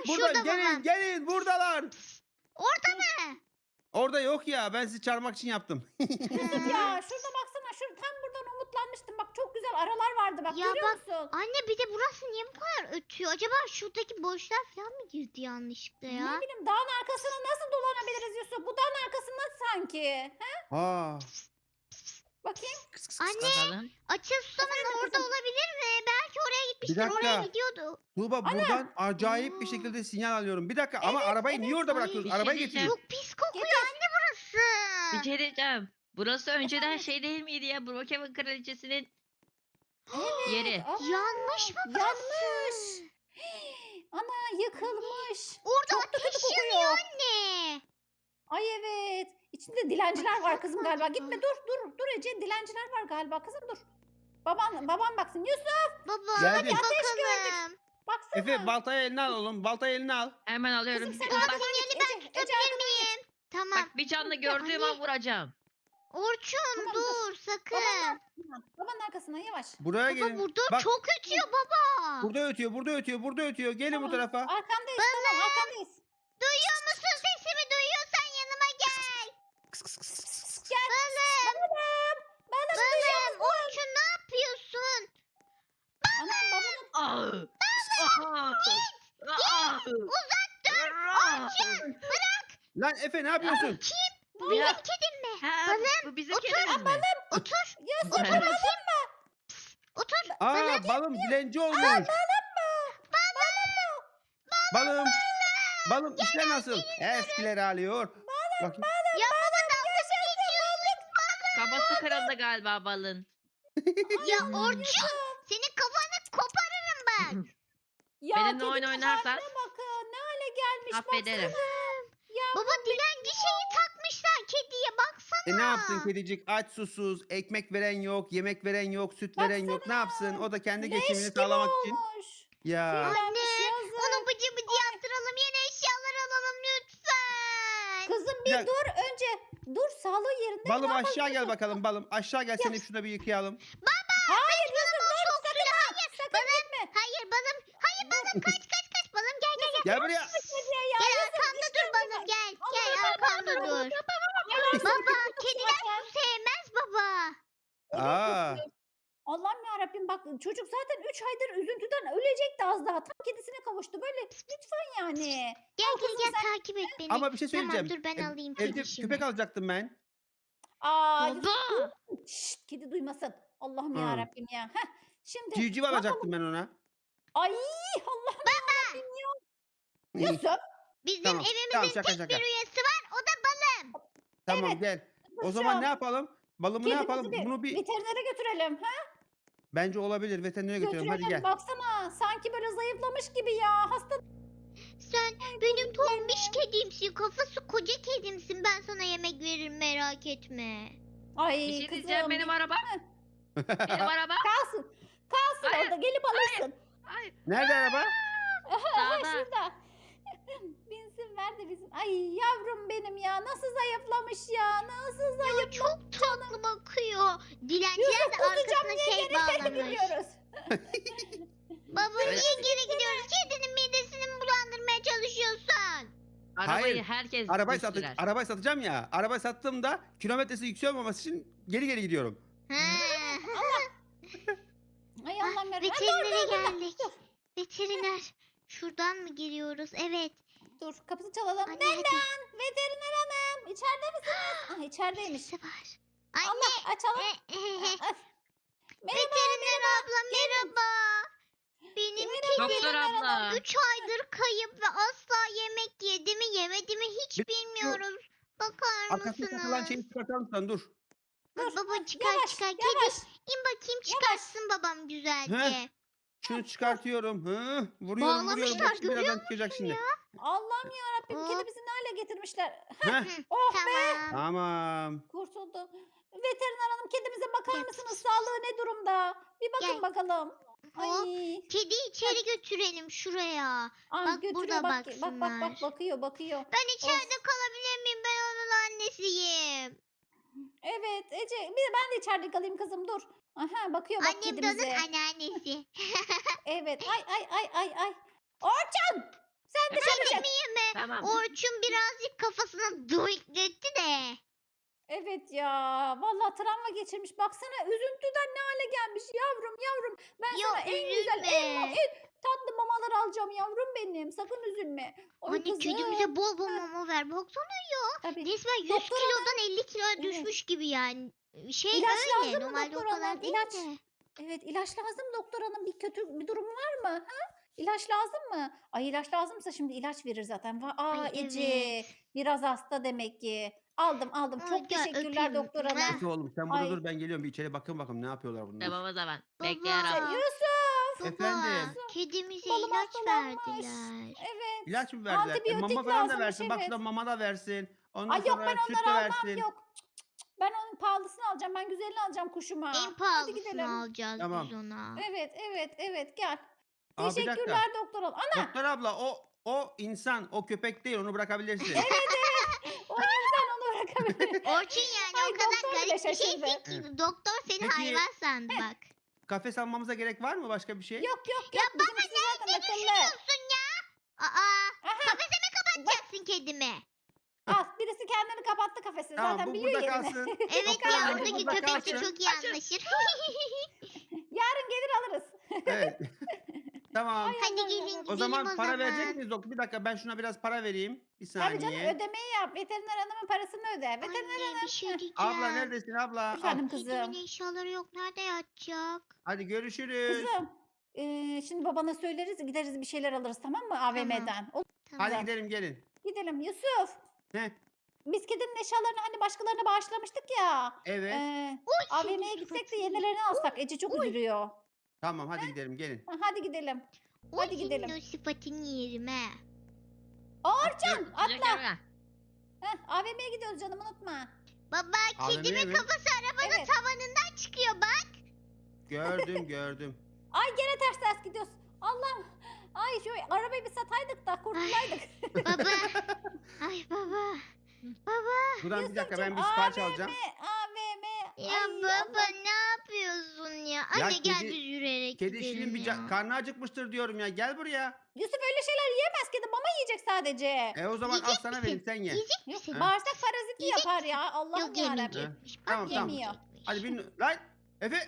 [SPEAKER 4] Burada
[SPEAKER 1] şurada
[SPEAKER 4] gelin
[SPEAKER 1] babam.
[SPEAKER 4] gelin buradalar.
[SPEAKER 1] Orada mı?
[SPEAKER 4] Orada yok ya ben sizi çağırmak için yaptım.
[SPEAKER 3] Yusuf ya şurada baksana. Şurada tam buradan umutlanmıştım. Bak çok güzel aralar vardı bak
[SPEAKER 1] Ya
[SPEAKER 3] görüyor
[SPEAKER 1] bak,
[SPEAKER 3] musun?
[SPEAKER 1] Anne bir de burası niye bu kadar ötüyor? Acaba şuradaki boşlar falan mı girdi yanlışlıkla ya?
[SPEAKER 3] Ne bileyim dağın arkasına nasıl dolanabiliriz Yusuf? Bu dağın arkasında sanki. He?
[SPEAKER 4] Aa.
[SPEAKER 3] Bakayım.
[SPEAKER 1] Anne
[SPEAKER 2] Bakalım.
[SPEAKER 1] Açıl Susam'ın
[SPEAKER 3] Efendim
[SPEAKER 1] orada
[SPEAKER 3] kızım?
[SPEAKER 1] olabilir mi? Belki oraya gitmiştir.
[SPEAKER 4] dakika.
[SPEAKER 1] Oraya gidiyordu.
[SPEAKER 4] Tuğba buradan acayip bir
[SPEAKER 1] Aa.
[SPEAKER 4] şekilde sinyal alıyorum. Bir dakika ama arabayı niye orada
[SPEAKER 1] Ay,
[SPEAKER 4] bırakıyoruz?
[SPEAKER 2] bir şey
[SPEAKER 4] Arabayı
[SPEAKER 2] diyeceğim.
[SPEAKER 4] getirin.
[SPEAKER 1] Çok pis kokuyor
[SPEAKER 3] Getir.
[SPEAKER 1] anne burası.
[SPEAKER 2] Bir şey diyeceğim. Burası önceden
[SPEAKER 3] Efendim?
[SPEAKER 2] şey değil miydi ya? Brookhaven Kraliçesi'nin yeri.
[SPEAKER 3] Aa,
[SPEAKER 1] Yanmış mı burası?
[SPEAKER 3] Yanmış. Ana yıkılmış.
[SPEAKER 1] Orada
[SPEAKER 3] Çok da kötü
[SPEAKER 1] ateş
[SPEAKER 3] kokuyor.
[SPEAKER 1] yanıyor anne.
[SPEAKER 3] Ay evet. İçinde dilenciler var kızım galiba. Gitme dur dur dur Ece dilenciler var galiba kızım dur. Baban baban baksın. Yusuf
[SPEAKER 1] Baba
[SPEAKER 4] Geldim.
[SPEAKER 1] hadi
[SPEAKER 3] Ateş
[SPEAKER 1] bakalım.
[SPEAKER 3] baksana.
[SPEAKER 4] Efe baltayı eline al oğlum. Baltayı eline al.
[SPEAKER 2] Hemen alıyorum.
[SPEAKER 3] Kızım sen
[SPEAKER 2] Bak,
[SPEAKER 3] arkadan
[SPEAKER 1] Sinyali
[SPEAKER 3] git.
[SPEAKER 1] ben
[SPEAKER 3] Ece, Ece
[SPEAKER 1] tutabilir
[SPEAKER 3] arkadan
[SPEAKER 1] miyim? Tamam.
[SPEAKER 2] bak bir canlı gördüğüm an vuracağım.
[SPEAKER 1] Orçun
[SPEAKER 3] Tamam,
[SPEAKER 1] dur sakın.
[SPEAKER 3] Babanın arkasına. Babanın arkasına yavaş.
[SPEAKER 4] Buraya
[SPEAKER 1] Baba
[SPEAKER 4] gelin.
[SPEAKER 1] burada
[SPEAKER 4] Bak
[SPEAKER 1] çok ötüyor baba.
[SPEAKER 4] burada ötüyor, burada ötüyor, burada ötüyor. Gelin bu
[SPEAKER 3] Tamam,
[SPEAKER 4] tarafa.
[SPEAKER 3] Arkandayız tamam arkandayız.
[SPEAKER 1] Duyuyor musun sesimi? Duyuyorsan yanıma gel.
[SPEAKER 3] Gel.
[SPEAKER 1] Balım.
[SPEAKER 3] Balım. Balım duyuyor
[SPEAKER 1] Balım.
[SPEAKER 3] musun?
[SPEAKER 1] Orçun ne yapıyorsun?
[SPEAKER 3] Anam babanın.
[SPEAKER 2] Ah! Ah! Ah!
[SPEAKER 1] Uzak dur.
[SPEAKER 2] Ah!
[SPEAKER 1] Orçun bırak.
[SPEAKER 4] Lan Efe ne yapıyorsun?
[SPEAKER 1] Kim? Bu
[SPEAKER 2] Ya.
[SPEAKER 1] benim kedim mi?
[SPEAKER 2] Ha,
[SPEAKER 1] Balım,
[SPEAKER 2] bu bizim
[SPEAKER 1] otur.
[SPEAKER 2] kedimiz mi?
[SPEAKER 1] Otur.
[SPEAKER 3] Yusuf
[SPEAKER 1] Otur bakayım. Otur.
[SPEAKER 4] Aa balım dilenci olmuş. Balım. Balım işler nasıl? Eskileri alıyor. Bakayım.
[SPEAKER 1] Ya baba dalga geçiyorsun.
[SPEAKER 2] Kafası kırıldı galiba balın.
[SPEAKER 1] Ya Orçun senin kafanı koparırım bak.
[SPEAKER 3] Ya
[SPEAKER 2] Benimle oyun
[SPEAKER 3] kedinin
[SPEAKER 2] oynarsan
[SPEAKER 3] haline bakın. Ne hale gelmiş
[SPEAKER 2] affederim.
[SPEAKER 3] baksana. Ya
[SPEAKER 1] Baba dilenci şeyi takmışlar kediye baksana.
[SPEAKER 4] E ne yapsın kedicik? Aç susuz, ekmek veren yok, yemek veren yok, süt veren yok. Ne yapsın? O da kendi
[SPEAKER 3] leş
[SPEAKER 4] geçimini
[SPEAKER 3] gibi
[SPEAKER 4] sağlamak için.
[SPEAKER 3] olmuş.
[SPEAKER 4] Ya.
[SPEAKER 1] Anne
[SPEAKER 3] yazık.
[SPEAKER 1] onu bıcı bıcı yaptıralım yeni eşyalar alalım lütfen.
[SPEAKER 3] Kızım bir
[SPEAKER 4] Ya-
[SPEAKER 3] dur önce. Dur sağlığı yerinde mi?
[SPEAKER 4] Balım
[SPEAKER 3] Ne yapalım
[SPEAKER 4] aşağı gel
[SPEAKER 3] kızım?
[SPEAKER 4] bakalım balım. Aşağı gel seni şurada bir yıkayalım.
[SPEAKER 3] Hayır Yusuf dur
[SPEAKER 1] Çok
[SPEAKER 3] sakın
[SPEAKER 1] suyla
[SPEAKER 3] ha.
[SPEAKER 1] hayır.
[SPEAKER 3] Sakın
[SPEAKER 1] Balım
[SPEAKER 3] gitme.
[SPEAKER 1] hayır balım. Hayır balım kaç kaç kaç balım gel gel gel.
[SPEAKER 4] Gel buraya.
[SPEAKER 3] Kediye ya.
[SPEAKER 1] Gel
[SPEAKER 3] Yusuf,
[SPEAKER 1] arkamda dur
[SPEAKER 3] işkence
[SPEAKER 1] balım
[SPEAKER 3] var.
[SPEAKER 1] gel.
[SPEAKER 3] Allah
[SPEAKER 1] Gel
[SPEAKER 3] Allah,
[SPEAKER 1] arkamda
[SPEAKER 3] Allah
[SPEAKER 1] dur.
[SPEAKER 3] Ya Yusuf,
[SPEAKER 1] Baba
[SPEAKER 3] Yusuf,
[SPEAKER 1] kediler
[SPEAKER 3] zaten.
[SPEAKER 1] su sevmez baba.
[SPEAKER 4] Aa.
[SPEAKER 3] Allah'ım yarabbim bak çocuk zaten üç aydır üzüntüden ölecekti az daha. Tam kedisine kavuştu. Böyle lütfen yani.
[SPEAKER 1] Gel
[SPEAKER 3] Al
[SPEAKER 1] gel
[SPEAKER 3] kızım
[SPEAKER 1] gel
[SPEAKER 3] sen.
[SPEAKER 1] takip et beni.
[SPEAKER 4] Ama bir şey
[SPEAKER 1] Tamam
[SPEAKER 4] söyleyeceğim.
[SPEAKER 1] dur ben
[SPEAKER 4] Ev-
[SPEAKER 1] alayım
[SPEAKER 4] Evde
[SPEAKER 1] kedişimi.
[SPEAKER 4] köpek alacaktım ben.
[SPEAKER 3] Aa, Yusuf,
[SPEAKER 2] Baba!
[SPEAKER 3] şşt, kedi duymasın. Allah'ım
[SPEAKER 4] Hı.
[SPEAKER 3] yarabbim ya. Heh, şimdi
[SPEAKER 4] Civciv alacaktım ben ona.
[SPEAKER 3] ay Allah'ım yarabbim ya. Yusuf.
[SPEAKER 1] Bizim
[SPEAKER 4] Tamam,
[SPEAKER 1] evimizin
[SPEAKER 4] tamam, şaka,
[SPEAKER 1] tek
[SPEAKER 4] şaka.
[SPEAKER 1] bir üyesi var o da balım.
[SPEAKER 4] Tamam
[SPEAKER 3] Evet.
[SPEAKER 4] gel. O
[SPEAKER 3] Yusuf,
[SPEAKER 4] zaman ne yapalım? Balımı ne
[SPEAKER 3] kedimizi
[SPEAKER 4] yapalım?
[SPEAKER 3] bir
[SPEAKER 4] Bunu bir
[SPEAKER 3] veterinere götürelim. Ha?
[SPEAKER 4] bence olabilir. Veterinere götürelim. Hadi
[SPEAKER 3] Götürelim
[SPEAKER 4] gel.
[SPEAKER 3] baksana. Sanki böyle zayıflamış gibi ya. Hasta.
[SPEAKER 1] Sen benim tombiş kedimsin. Kafası koca kedimsin. Ben sana yemek veririm merak etme.
[SPEAKER 3] Ay
[SPEAKER 2] Bir şey
[SPEAKER 3] kızım.
[SPEAKER 2] diyeceğim benim araba. Benim araba.
[SPEAKER 3] Kalsın. Kalsın
[SPEAKER 2] Hayır,
[SPEAKER 3] orada gelip alırsın.
[SPEAKER 2] Hayır.
[SPEAKER 4] Nerede araba?
[SPEAKER 3] Aha,
[SPEAKER 2] Sağda.
[SPEAKER 3] şurada. Binsin ver de bizim. Ay yavrum benim ya. Nasıl zayıflamış ya. Nasıl zayıf.
[SPEAKER 1] Ya çok tatlı bakıyor. Dilenciler de arkasına şey bağlamış.
[SPEAKER 3] Gidiyoruz.
[SPEAKER 1] Baba
[SPEAKER 2] Öyle-
[SPEAKER 1] niye geri gidiyoruz? Kedinin midesini mi bulandırmaya çalışıyorsun?
[SPEAKER 2] Arabayı
[SPEAKER 4] Hayır,
[SPEAKER 2] herkes
[SPEAKER 4] Arabayı,
[SPEAKER 2] sürer.
[SPEAKER 4] satı, arabayı satacağım ya. Arabayı sattığımda kilometresi yüksek olmaması için geri geri gidiyorum.
[SPEAKER 1] He.
[SPEAKER 3] Ay Allah'ım yarabbim.
[SPEAKER 1] Veterinere
[SPEAKER 3] Dur, dur, dur,
[SPEAKER 1] geldik.
[SPEAKER 3] dur.
[SPEAKER 1] Veteriner. Şuradan mı giriyoruz? Evet.
[SPEAKER 3] Dur kapıyı çalalım.
[SPEAKER 1] Anne
[SPEAKER 3] Neden?
[SPEAKER 1] hadi.
[SPEAKER 3] Veteriner hanım. İçeride misiniz? Ah içerideymiş.
[SPEAKER 1] Birisi var. Anne.
[SPEAKER 3] Allah açalım.
[SPEAKER 1] e, e, e.
[SPEAKER 3] Ah, merhaba,
[SPEAKER 1] Veteriner abla merhaba. Benim
[SPEAKER 3] Merhaba,
[SPEAKER 1] kedim
[SPEAKER 2] Doktor abla.
[SPEAKER 1] üç aydır kayıp ve asla yemek yedi mi yemedi mi hiç
[SPEAKER 4] Bir-
[SPEAKER 1] bilmiyoruz. Bakar
[SPEAKER 4] Arkasına takılan
[SPEAKER 1] mısınız?
[SPEAKER 4] şeyi çıkartar mısın? Dur.
[SPEAKER 1] Dur,
[SPEAKER 3] Dur,
[SPEAKER 1] baba çıkar
[SPEAKER 3] yavaş,
[SPEAKER 1] çıkar. Kedi
[SPEAKER 3] yavaş.
[SPEAKER 1] in bakayım çıkarsın babam güzelce.
[SPEAKER 4] Heh. Şunu çıkartıyorum. Hı, vuruyorum vuruyorum.
[SPEAKER 1] Bağlamışlar,
[SPEAKER 4] Bak şimdi birazdan çıkacak şimdi.
[SPEAKER 3] Allah'ım yarabbim
[SPEAKER 1] Hop.
[SPEAKER 3] kedimizi ne hale getirmişler.
[SPEAKER 4] Heh,
[SPEAKER 3] Oh be.
[SPEAKER 1] Tamam.
[SPEAKER 4] tamam.
[SPEAKER 3] Kurtuldu. Veteriner hanım kedimize bakar
[SPEAKER 1] Gel.
[SPEAKER 3] mısınız? Sağlığı ne durumda? Bir bakın
[SPEAKER 1] Gel.
[SPEAKER 3] bakalım.
[SPEAKER 1] Hop.
[SPEAKER 3] Ay.
[SPEAKER 1] Kedi içeri götürelim şuraya.
[SPEAKER 3] Ay,
[SPEAKER 1] Bak,
[SPEAKER 3] götürüyor,
[SPEAKER 1] burada
[SPEAKER 3] bak, bak bak
[SPEAKER 1] baksınlar.
[SPEAKER 3] bak bakıyor bakıyor.
[SPEAKER 1] Ben içeride kalabilir miyim? Ben onun annesiyim.
[SPEAKER 3] Evet Ece bir de ben de içeride kalayım kızım dur. Aha bakıyor bak
[SPEAKER 1] Annem de onun
[SPEAKER 3] kedimize.
[SPEAKER 1] anneannesi.
[SPEAKER 3] Evet ay ay ay ay ay. Orçun Sen dışarı çık.
[SPEAKER 1] Değil mi?
[SPEAKER 2] Tamam.
[SPEAKER 1] Orçun birazcık kafasına duykletti de.
[SPEAKER 3] Evet ya. Vallahi travma geçirmiş. Baksana üzüntüden ne hale gelmiş yavrum yavrum. Ben
[SPEAKER 1] Ya
[SPEAKER 3] sana en güzel en, ma-
[SPEAKER 1] üzülme.
[SPEAKER 3] en tatlı mamaları alacağım yavrum benim. Sakın üzülme. Oy
[SPEAKER 1] Anne
[SPEAKER 3] kızım.
[SPEAKER 1] kedimize bol bol mama ver. Baksana
[SPEAKER 3] Tabii.
[SPEAKER 1] resmen yüz
[SPEAKER 3] Doktor
[SPEAKER 1] kilodan elli kiloya
[SPEAKER 3] Evet.
[SPEAKER 1] düşmüş gibi yani. Şey
[SPEAKER 3] İlaç
[SPEAKER 1] öyle.
[SPEAKER 3] lazım mı
[SPEAKER 1] Normalde o
[SPEAKER 3] doktor
[SPEAKER 1] kadar
[SPEAKER 3] hanım?
[SPEAKER 1] değil
[SPEAKER 3] İlaç.
[SPEAKER 1] de.
[SPEAKER 3] Evet ilaç lazım doktor hanım. Bir kötü bir durum var mı? Ha? İlaç lazım mı? Ay ilaç lazımsa şimdi ilaç verir zaten. Va- Aa
[SPEAKER 1] Ay
[SPEAKER 3] Ece
[SPEAKER 1] evet.
[SPEAKER 3] biraz hasta demek ki. Aldım aldım.
[SPEAKER 1] Ay,
[SPEAKER 3] Çok
[SPEAKER 1] gel
[SPEAKER 3] teşekkürler
[SPEAKER 1] öpeyim.
[SPEAKER 3] doktor
[SPEAKER 1] Mua.
[SPEAKER 3] hanım.
[SPEAKER 4] Efe oğlum sen burada
[SPEAKER 3] Ay.
[SPEAKER 4] dur ben geliyorum bir içeri bakın bakalım ne yapıyorlar bunlar.
[SPEAKER 2] Tamam o zaman.
[SPEAKER 1] Baba.
[SPEAKER 2] Bekliyorum.
[SPEAKER 3] Yusuf.
[SPEAKER 1] Baba.
[SPEAKER 4] Efendim?
[SPEAKER 1] Kedimize
[SPEAKER 3] Balım
[SPEAKER 1] ilaç
[SPEAKER 3] hastalanmış.
[SPEAKER 1] verdiler.
[SPEAKER 3] Evet.
[SPEAKER 4] İlaç mı verdiler? E,
[SPEAKER 3] Antibiyotik
[SPEAKER 4] mama falan da
[SPEAKER 3] lazımmış,
[SPEAKER 4] versin. Bak
[SPEAKER 3] evet.
[SPEAKER 4] şurada mama da versin. Ondan
[SPEAKER 3] Ay yok
[SPEAKER 4] sonra
[SPEAKER 3] ben
[SPEAKER 4] süt de
[SPEAKER 3] onları almam
[SPEAKER 4] versin.
[SPEAKER 3] yok. Cık, cık, cık. Ben onun pahalısını alacağım. Ben güzelini alacağım kuşuma.
[SPEAKER 1] En
[SPEAKER 3] Hadi
[SPEAKER 1] pahalısını
[SPEAKER 3] gidelim.
[SPEAKER 1] alacağız
[SPEAKER 4] Tamam.
[SPEAKER 1] biz ona.
[SPEAKER 3] Evet evet evet gel.
[SPEAKER 4] Aa, bir dakika.
[SPEAKER 3] Teşekkürler doktor hanım. Ana
[SPEAKER 4] Doktor abla o o insan o köpek değil onu bırakabilirsin.
[SPEAKER 3] o yüzden onu bırakabilirim.
[SPEAKER 1] Orçun yani
[SPEAKER 3] Ay,
[SPEAKER 1] o kadar
[SPEAKER 3] doktor bile
[SPEAKER 1] garip bir
[SPEAKER 3] şaşırdı.
[SPEAKER 1] şeysin ki doktor seni
[SPEAKER 4] Peki-
[SPEAKER 1] hayvan sandı bak.
[SPEAKER 4] Kafes almamıza gerek var mı başka bir şey?
[SPEAKER 3] Yok yok yok. Bizimkisi zaten akıllı.
[SPEAKER 1] Düşünüyorsun ya. Aa,
[SPEAKER 3] Aha,
[SPEAKER 1] kafese mi kapatacaksın kedimi?
[SPEAKER 3] al birisi kendini kapattı kafesini
[SPEAKER 4] Tamam
[SPEAKER 3] zaten
[SPEAKER 4] bu
[SPEAKER 3] biliyor
[SPEAKER 4] burada
[SPEAKER 3] yerini.
[SPEAKER 4] kalsın.
[SPEAKER 1] Evet
[SPEAKER 4] Doktor
[SPEAKER 1] ya
[SPEAKER 4] abla, bu
[SPEAKER 1] oradaki
[SPEAKER 4] burada
[SPEAKER 1] köpek de
[SPEAKER 4] kalsın.
[SPEAKER 1] çok iyi anlaşır.
[SPEAKER 3] Yarın gelir alırız.
[SPEAKER 4] Evet. Tamam.
[SPEAKER 1] Hadi gelin gidelim
[SPEAKER 4] O
[SPEAKER 1] o
[SPEAKER 4] zaman para verecek
[SPEAKER 1] zaman.
[SPEAKER 4] miyiz doktor? Bir dakika ben şuna biraz para vereyim. Bir
[SPEAKER 3] Tabii canım
[SPEAKER 4] saniye.
[SPEAKER 3] ödemeyi yap. Veteriner hanımın parasını öde. Veteriner
[SPEAKER 1] Anne
[SPEAKER 3] hanım.
[SPEAKER 1] bir şey diyeceğim.
[SPEAKER 4] Abla neredesin abla? Al.
[SPEAKER 3] Efendim
[SPEAKER 1] Kedimin
[SPEAKER 3] kızım.
[SPEAKER 1] eşyaları yok. Nerede yatacak?
[SPEAKER 4] Hadi görüşürüz.
[SPEAKER 3] Kızım. eee, şimdi babana söyleriz gideriz bir şeyler alırız tamam mı A V M'den. Olur.
[SPEAKER 1] Tamam.
[SPEAKER 4] Hadi gidelim gelin.
[SPEAKER 3] Gidelim Yusuf.
[SPEAKER 4] Ne?
[SPEAKER 3] Biz kedinin eşyalarını hani başkalarına bağışlamıştık ya.
[SPEAKER 4] Evet.
[SPEAKER 3] Eee
[SPEAKER 1] Oy,
[SPEAKER 3] A V M'ye
[SPEAKER 1] senin
[SPEAKER 3] gitsek de
[SPEAKER 1] sıfatın.
[SPEAKER 3] yenilerini alsak. Ece çok üzülüyor.
[SPEAKER 4] Tamam hadi gidelim gelin.
[SPEAKER 3] Ha, hadi gidelim.
[SPEAKER 1] Oy,
[SPEAKER 3] Hadi gidelim.
[SPEAKER 1] senin o sıfatını yerim he.
[SPEAKER 3] Orçun atla.
[SPEAKER 2] Atla.
[SPEAKER 3] Heh, A V M'ye gidiyoruz canım unutma.
[SPEAKER 1] Baba
[SPEAKER 4] A V M
[SPEAKER 1] kedimin
[SPEAKER 4] mi?
[SPEAKER 1] kafası arabanın
[SPEAKER 3] Evet.
[SPEAKER 1] tavanından çıkıyor bak.
[SPEAKER 4] Gördüm gördüm.
[SPEAKER 3] Ay gene ters ters gidiyoruz. Allah'ım. Ay şu arabayı bir sataydık da kurtulaydık.
[SPEAKER 1] Baba. Ay baba. Baba.
[SPEAKER 4] Buradan bir dakika ben bir
[SPEAKER 3] Yusufcuğum,
[SPEAKER 4] sipariş
[SPEAKER 3] A V M,
[SPEAKER 4] alacağım.
[SPEAKER 3] A V M.
[SPEAKER 1] Ya
[SPEAKER 3] Ay,
[SPEAKER 1] baba
[SPEAKER 3] Allah'ım.
[SPEAKER 1] ne yapıyorsun ya?
[SPEAKER 4] Ya
[SPEAKER 1] Anne gel
[SPEAKER 4] kedi-
[SPEAKER 1] biz yürüyerek
[SPEAKER 4] Kedi
[SPEAKER 1] gidelim
[SPEAKER 4] şirin bir
[SPEAKER 1] ya.
[SPEAKER 4] ca- karnı acıkmıştır diyorum ya. Gel buraya.
[SPEAKER 3] Yusuf öyle şeyler yiyemez kedi. Mama yiyecek sadece.
[SPEAKER 4] E o zaman al
[SPEAKER 1] Yiyecek
[SPEAKER 4] sana
[SPEAKER 1] misin?
[SPEAKER 4] vereyim sen ye.
[SPEAKER 1] Yiyecek
[SPEAKER 3] Yok,
[SPEAKER 1] misin?
[SPEAKER 4] Ha.
[SPEAKER 3] bağırsak paraziti
[SPEAKER 1] Yiyecek
[SPEAKER 3] yapar ya. Allah'ım
[SPEAKER 1] Yok
[SPEAKER 3] yarabbim.
[SPEAKER 1] yemeyecekmiş. Bak
[SPEAKER 4] Tamam, tamam.
[SPEAKER 1] yemeyecekmiş.
[SPEAKER 4] Hadi bin. Lan. Efe.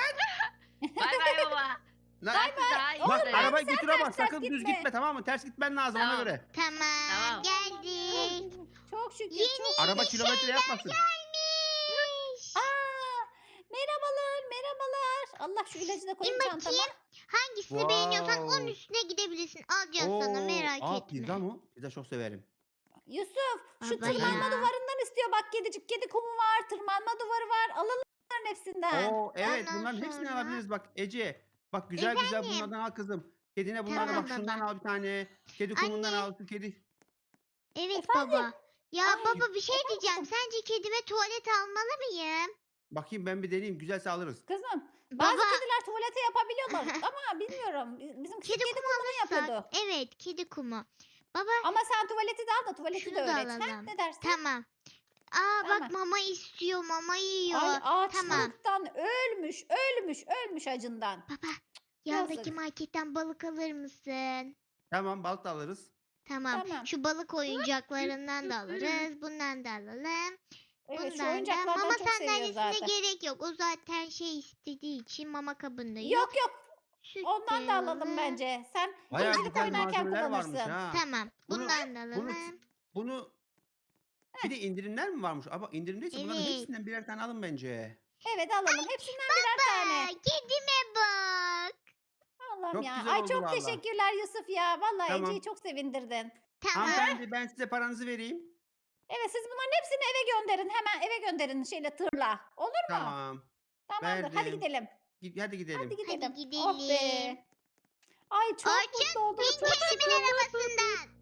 [SPEAKER 2] Bay bay baba.
[SPEAKER 4] Lan.
[SPEAKER 2] Ben sizi daha iyi
[SPEAKER 4] Bak
[SPEAKER 2] severim.
[SPEAKER 4] arabayı götür ama
[SPEAKER 3] ters
[SPEAKER 4] sakın
[SPEAKER 3] gitme.
[SPEAKER 4] düz gitme tamam mı? Ters gitmen lazım ona
[SPEAKER 2] Tamam.
[SPEAKER 4] göre.
[SPEAKER 1] Tamam,
[SPEAKER 2] Tamam.
[SPEAKER 1] geldik.
[SPEAKER 3] Çok şükür.
[SPEAKER 1] Yeni
[SPEAKER 3] Çok...
[SPEAKER 4] Araba kilometre yapmasın.
[SPEAKER 1] Gelmiş.
[SPEAKER 3] Aa, merhabalar, merhabalar. Allah şu ilacı da koyayım
[SPEAKER 1] İn
[SPEAKER 3] çantama.
[SPEAKER 1] bakayım. Hangisini beğeniyorsan onun
[SPEAKER 4] Wow.
[SPEAKER 1] üstüne gidebilirsin. Alacağız sana
[SPEAKER 4] Oo,
[SPEAKER 1] merak
[SPEAKER 4] aa,
[SPEAKER 1] etme.
[SPEAKER 4] Pizza mı? Pizza çok severim.
[SPEAKER 3] Yusuf, şu
[SPEAKER 1] Baba
[SPEAKER 3] tırmanma
[SPEAKER 1] ya.
[SPEAKER 3] duvarından istiyor. Bak kedicik, kedi kumu var, tırmanma duvarı var. Alalım bunların hepsinden.
[SPEAKER 4] Oo evet
[SPEAKER 1] Ondan
[SPEAKER 4] bunların hepsini
[SPEAKER 1] sonra-
[SPEAKER 4] alabiliriz bak Ece. Bak güzel güzel
[SPEAKER 1] Efendim?
[SPEAKER 4] bunlardan al kızım. Kedine bunlardan
[SPEAKER 1] Tamam
[SPEAKER 4] bak şundan
[SPEAKER 1] baba.
[SPEAKER 4] al bir tane. Kedi kumundan
[SPEAKER 1] Anne.
[SPEAKER 4] al şu kedi.
[SPEAKER 1] Evet
[SPEAKER 3] Efendim?
[SPEAKER 1] baba. Ya
[SPEAKER 3] Ay,
[SPEAKER 1] baba bir şey
[SPEAKER 3] efendim
[SPEAKER 1] diyeceğim.
[SPEAKER 3] kızım?
[SPEAKER 1] Sence kedime tuvalet almalı mıyım?
[SPEAKER 4] Bakayım ben bir deneyeyim güzelse alırız.
[SPEAKER 3] Kızım, bazı
[SPEAKER 1] Baba
[SPEAKER 3] kediler tuvalete yapabiliyorlar ama bilmiyorum. Bi- Bizim kedi,
[SPEAKER 1] kedi
[SPEAKER 3] kedi
[SPEAKER 1] kumu
[SPEAKER 3] kumunu
[SPEAKER 1] alırsak.
[SPEAKER 3] yapıyordu.
[SPEAKER 1] Evet kedi kumu. Baba
[SPEAKER 3] Ama sen tuvaleti de al da tuvaleti
[SPEAKER 1] Şunu
[SPEAKER 3] de
[SPEAKER 1] da
[SPEAKER 3] öğret. Ha?
[SPEAKER 1] alalım.
[SPEAKER 3] Ne dersin?
[SPEAKER 1] tamam. Aa
[SPEAKER 3] Tamam.
[SPEAKER 1] bak mama istiyor mama yiyor.
[SPEAKER 3] Ay
[SPEAKER 1] Tamam.
[SPEAKER 3] açlıktan ölmüş, ölmüş, ölmüş acından.
[SPEAKER 1] Baba
[SPEAKER 3] Yazık.
[SPEAKER 1] yandaki marketten balık alır mısın?
[SPEAKER 4] Tamam balık da alırız.
[SPEAKER 1] Tamam.
[SPEAKER 3] Tamam.
[SPEAKER 1] Şu balık oyuncaklarından da alırız. Bundan da alalım.
[SPEAKER 3] Evet şu
[SPEAKER 1] Bundan da.
[SPEAKER 3] oyuncaklardan
[SPEAKER 1] Mama
[SPEAKER 3] çok seviyor
[SPEAKER 1] sandalyesine
[SPEAKER 3] zaten.
[SPEAKER 1] gerek yok. O zaten şey istediği için mama kabında yok.
[SPEAKER 3] Yok yok
[SPEAKER 1] Süt
[SPEAKER 3] ondan
[SPEAKER 1] de
[SPEAKER 3] da alalım bence. Sen
[SPEAKER 4] Bayağı
[SPEAKER 3] dincilik
[SPEAKER 4] güzel
[SPEAKER 3] oynarken
[SPEAKER 4] malzemeler varmış
[SPEAKER 3] kullanırsın.
[SPEAKER 4] ha.
[SPEAKER 1] Tamam.
[SPEAKER 4] Bunu-
[SPEAKER 1] Bundan da
[SPEAKER 4] bunu-
[SPEAKER 1] alalım.
[SPEAKER 4] Bunu bir de indirimler mi varmış? Ama indirimdeyse bunların
[SPEAKER 1] Evet.
[SPEAKER 4] hepsinden birer tane alın bence.
[SPEAKER 3] Evet alalım. Hepsinden birer
[SPEAKER 1] Aa,
[SPEAKER 3] tane.
[SPEAKER 1] kedime bak.
[SPEAKER 3] Allah'ım
[SPEAKER 4] Çok
[SPEAKER 3] ya.
[SPEAKER 4] güzel
[SPEAKER 3] Ay
[SPEAKER 4] oldu
[SPEAKER 3] çok
[SPEAKER 4] vallahi.
[SPEAKER 3] teşekkürler Yusuf ya. Vallahi
[SPEAKER 4] Tamam.
[SPEAKER 3] Ece'yi çok sevindirdin.
[SPEAKER 1] Tamam.
[SPEAKER 4] Hanımefendi ben size paranızı vereyim.
[SPEAKER 3] Evet siz bunların hepsini eve gönderin. Hemen eve gönderin şeyle tırla. Olur mu?
[SPEAKER 4] Tamam.
[SPEAKER 3] Tamamdır. Hadi
[SPEAKER 4] verdim.
[SPEAKER 3] gidelim.
[SPEAKER 4] Gid- Hadi gidelim.
[SPEAKER 3] Hadi gidelim.
[SPEAKER 1] gidelim.
[SPEAKER 3] Oh be. Ay çok
[SPEAKER 1] Orçun,
[SPEAKER 3] mutlu oldum.
[SPEAKER 1] Bin
[SPEAKER 3] Çok
[SPEAKER 1] kedimin arabasından.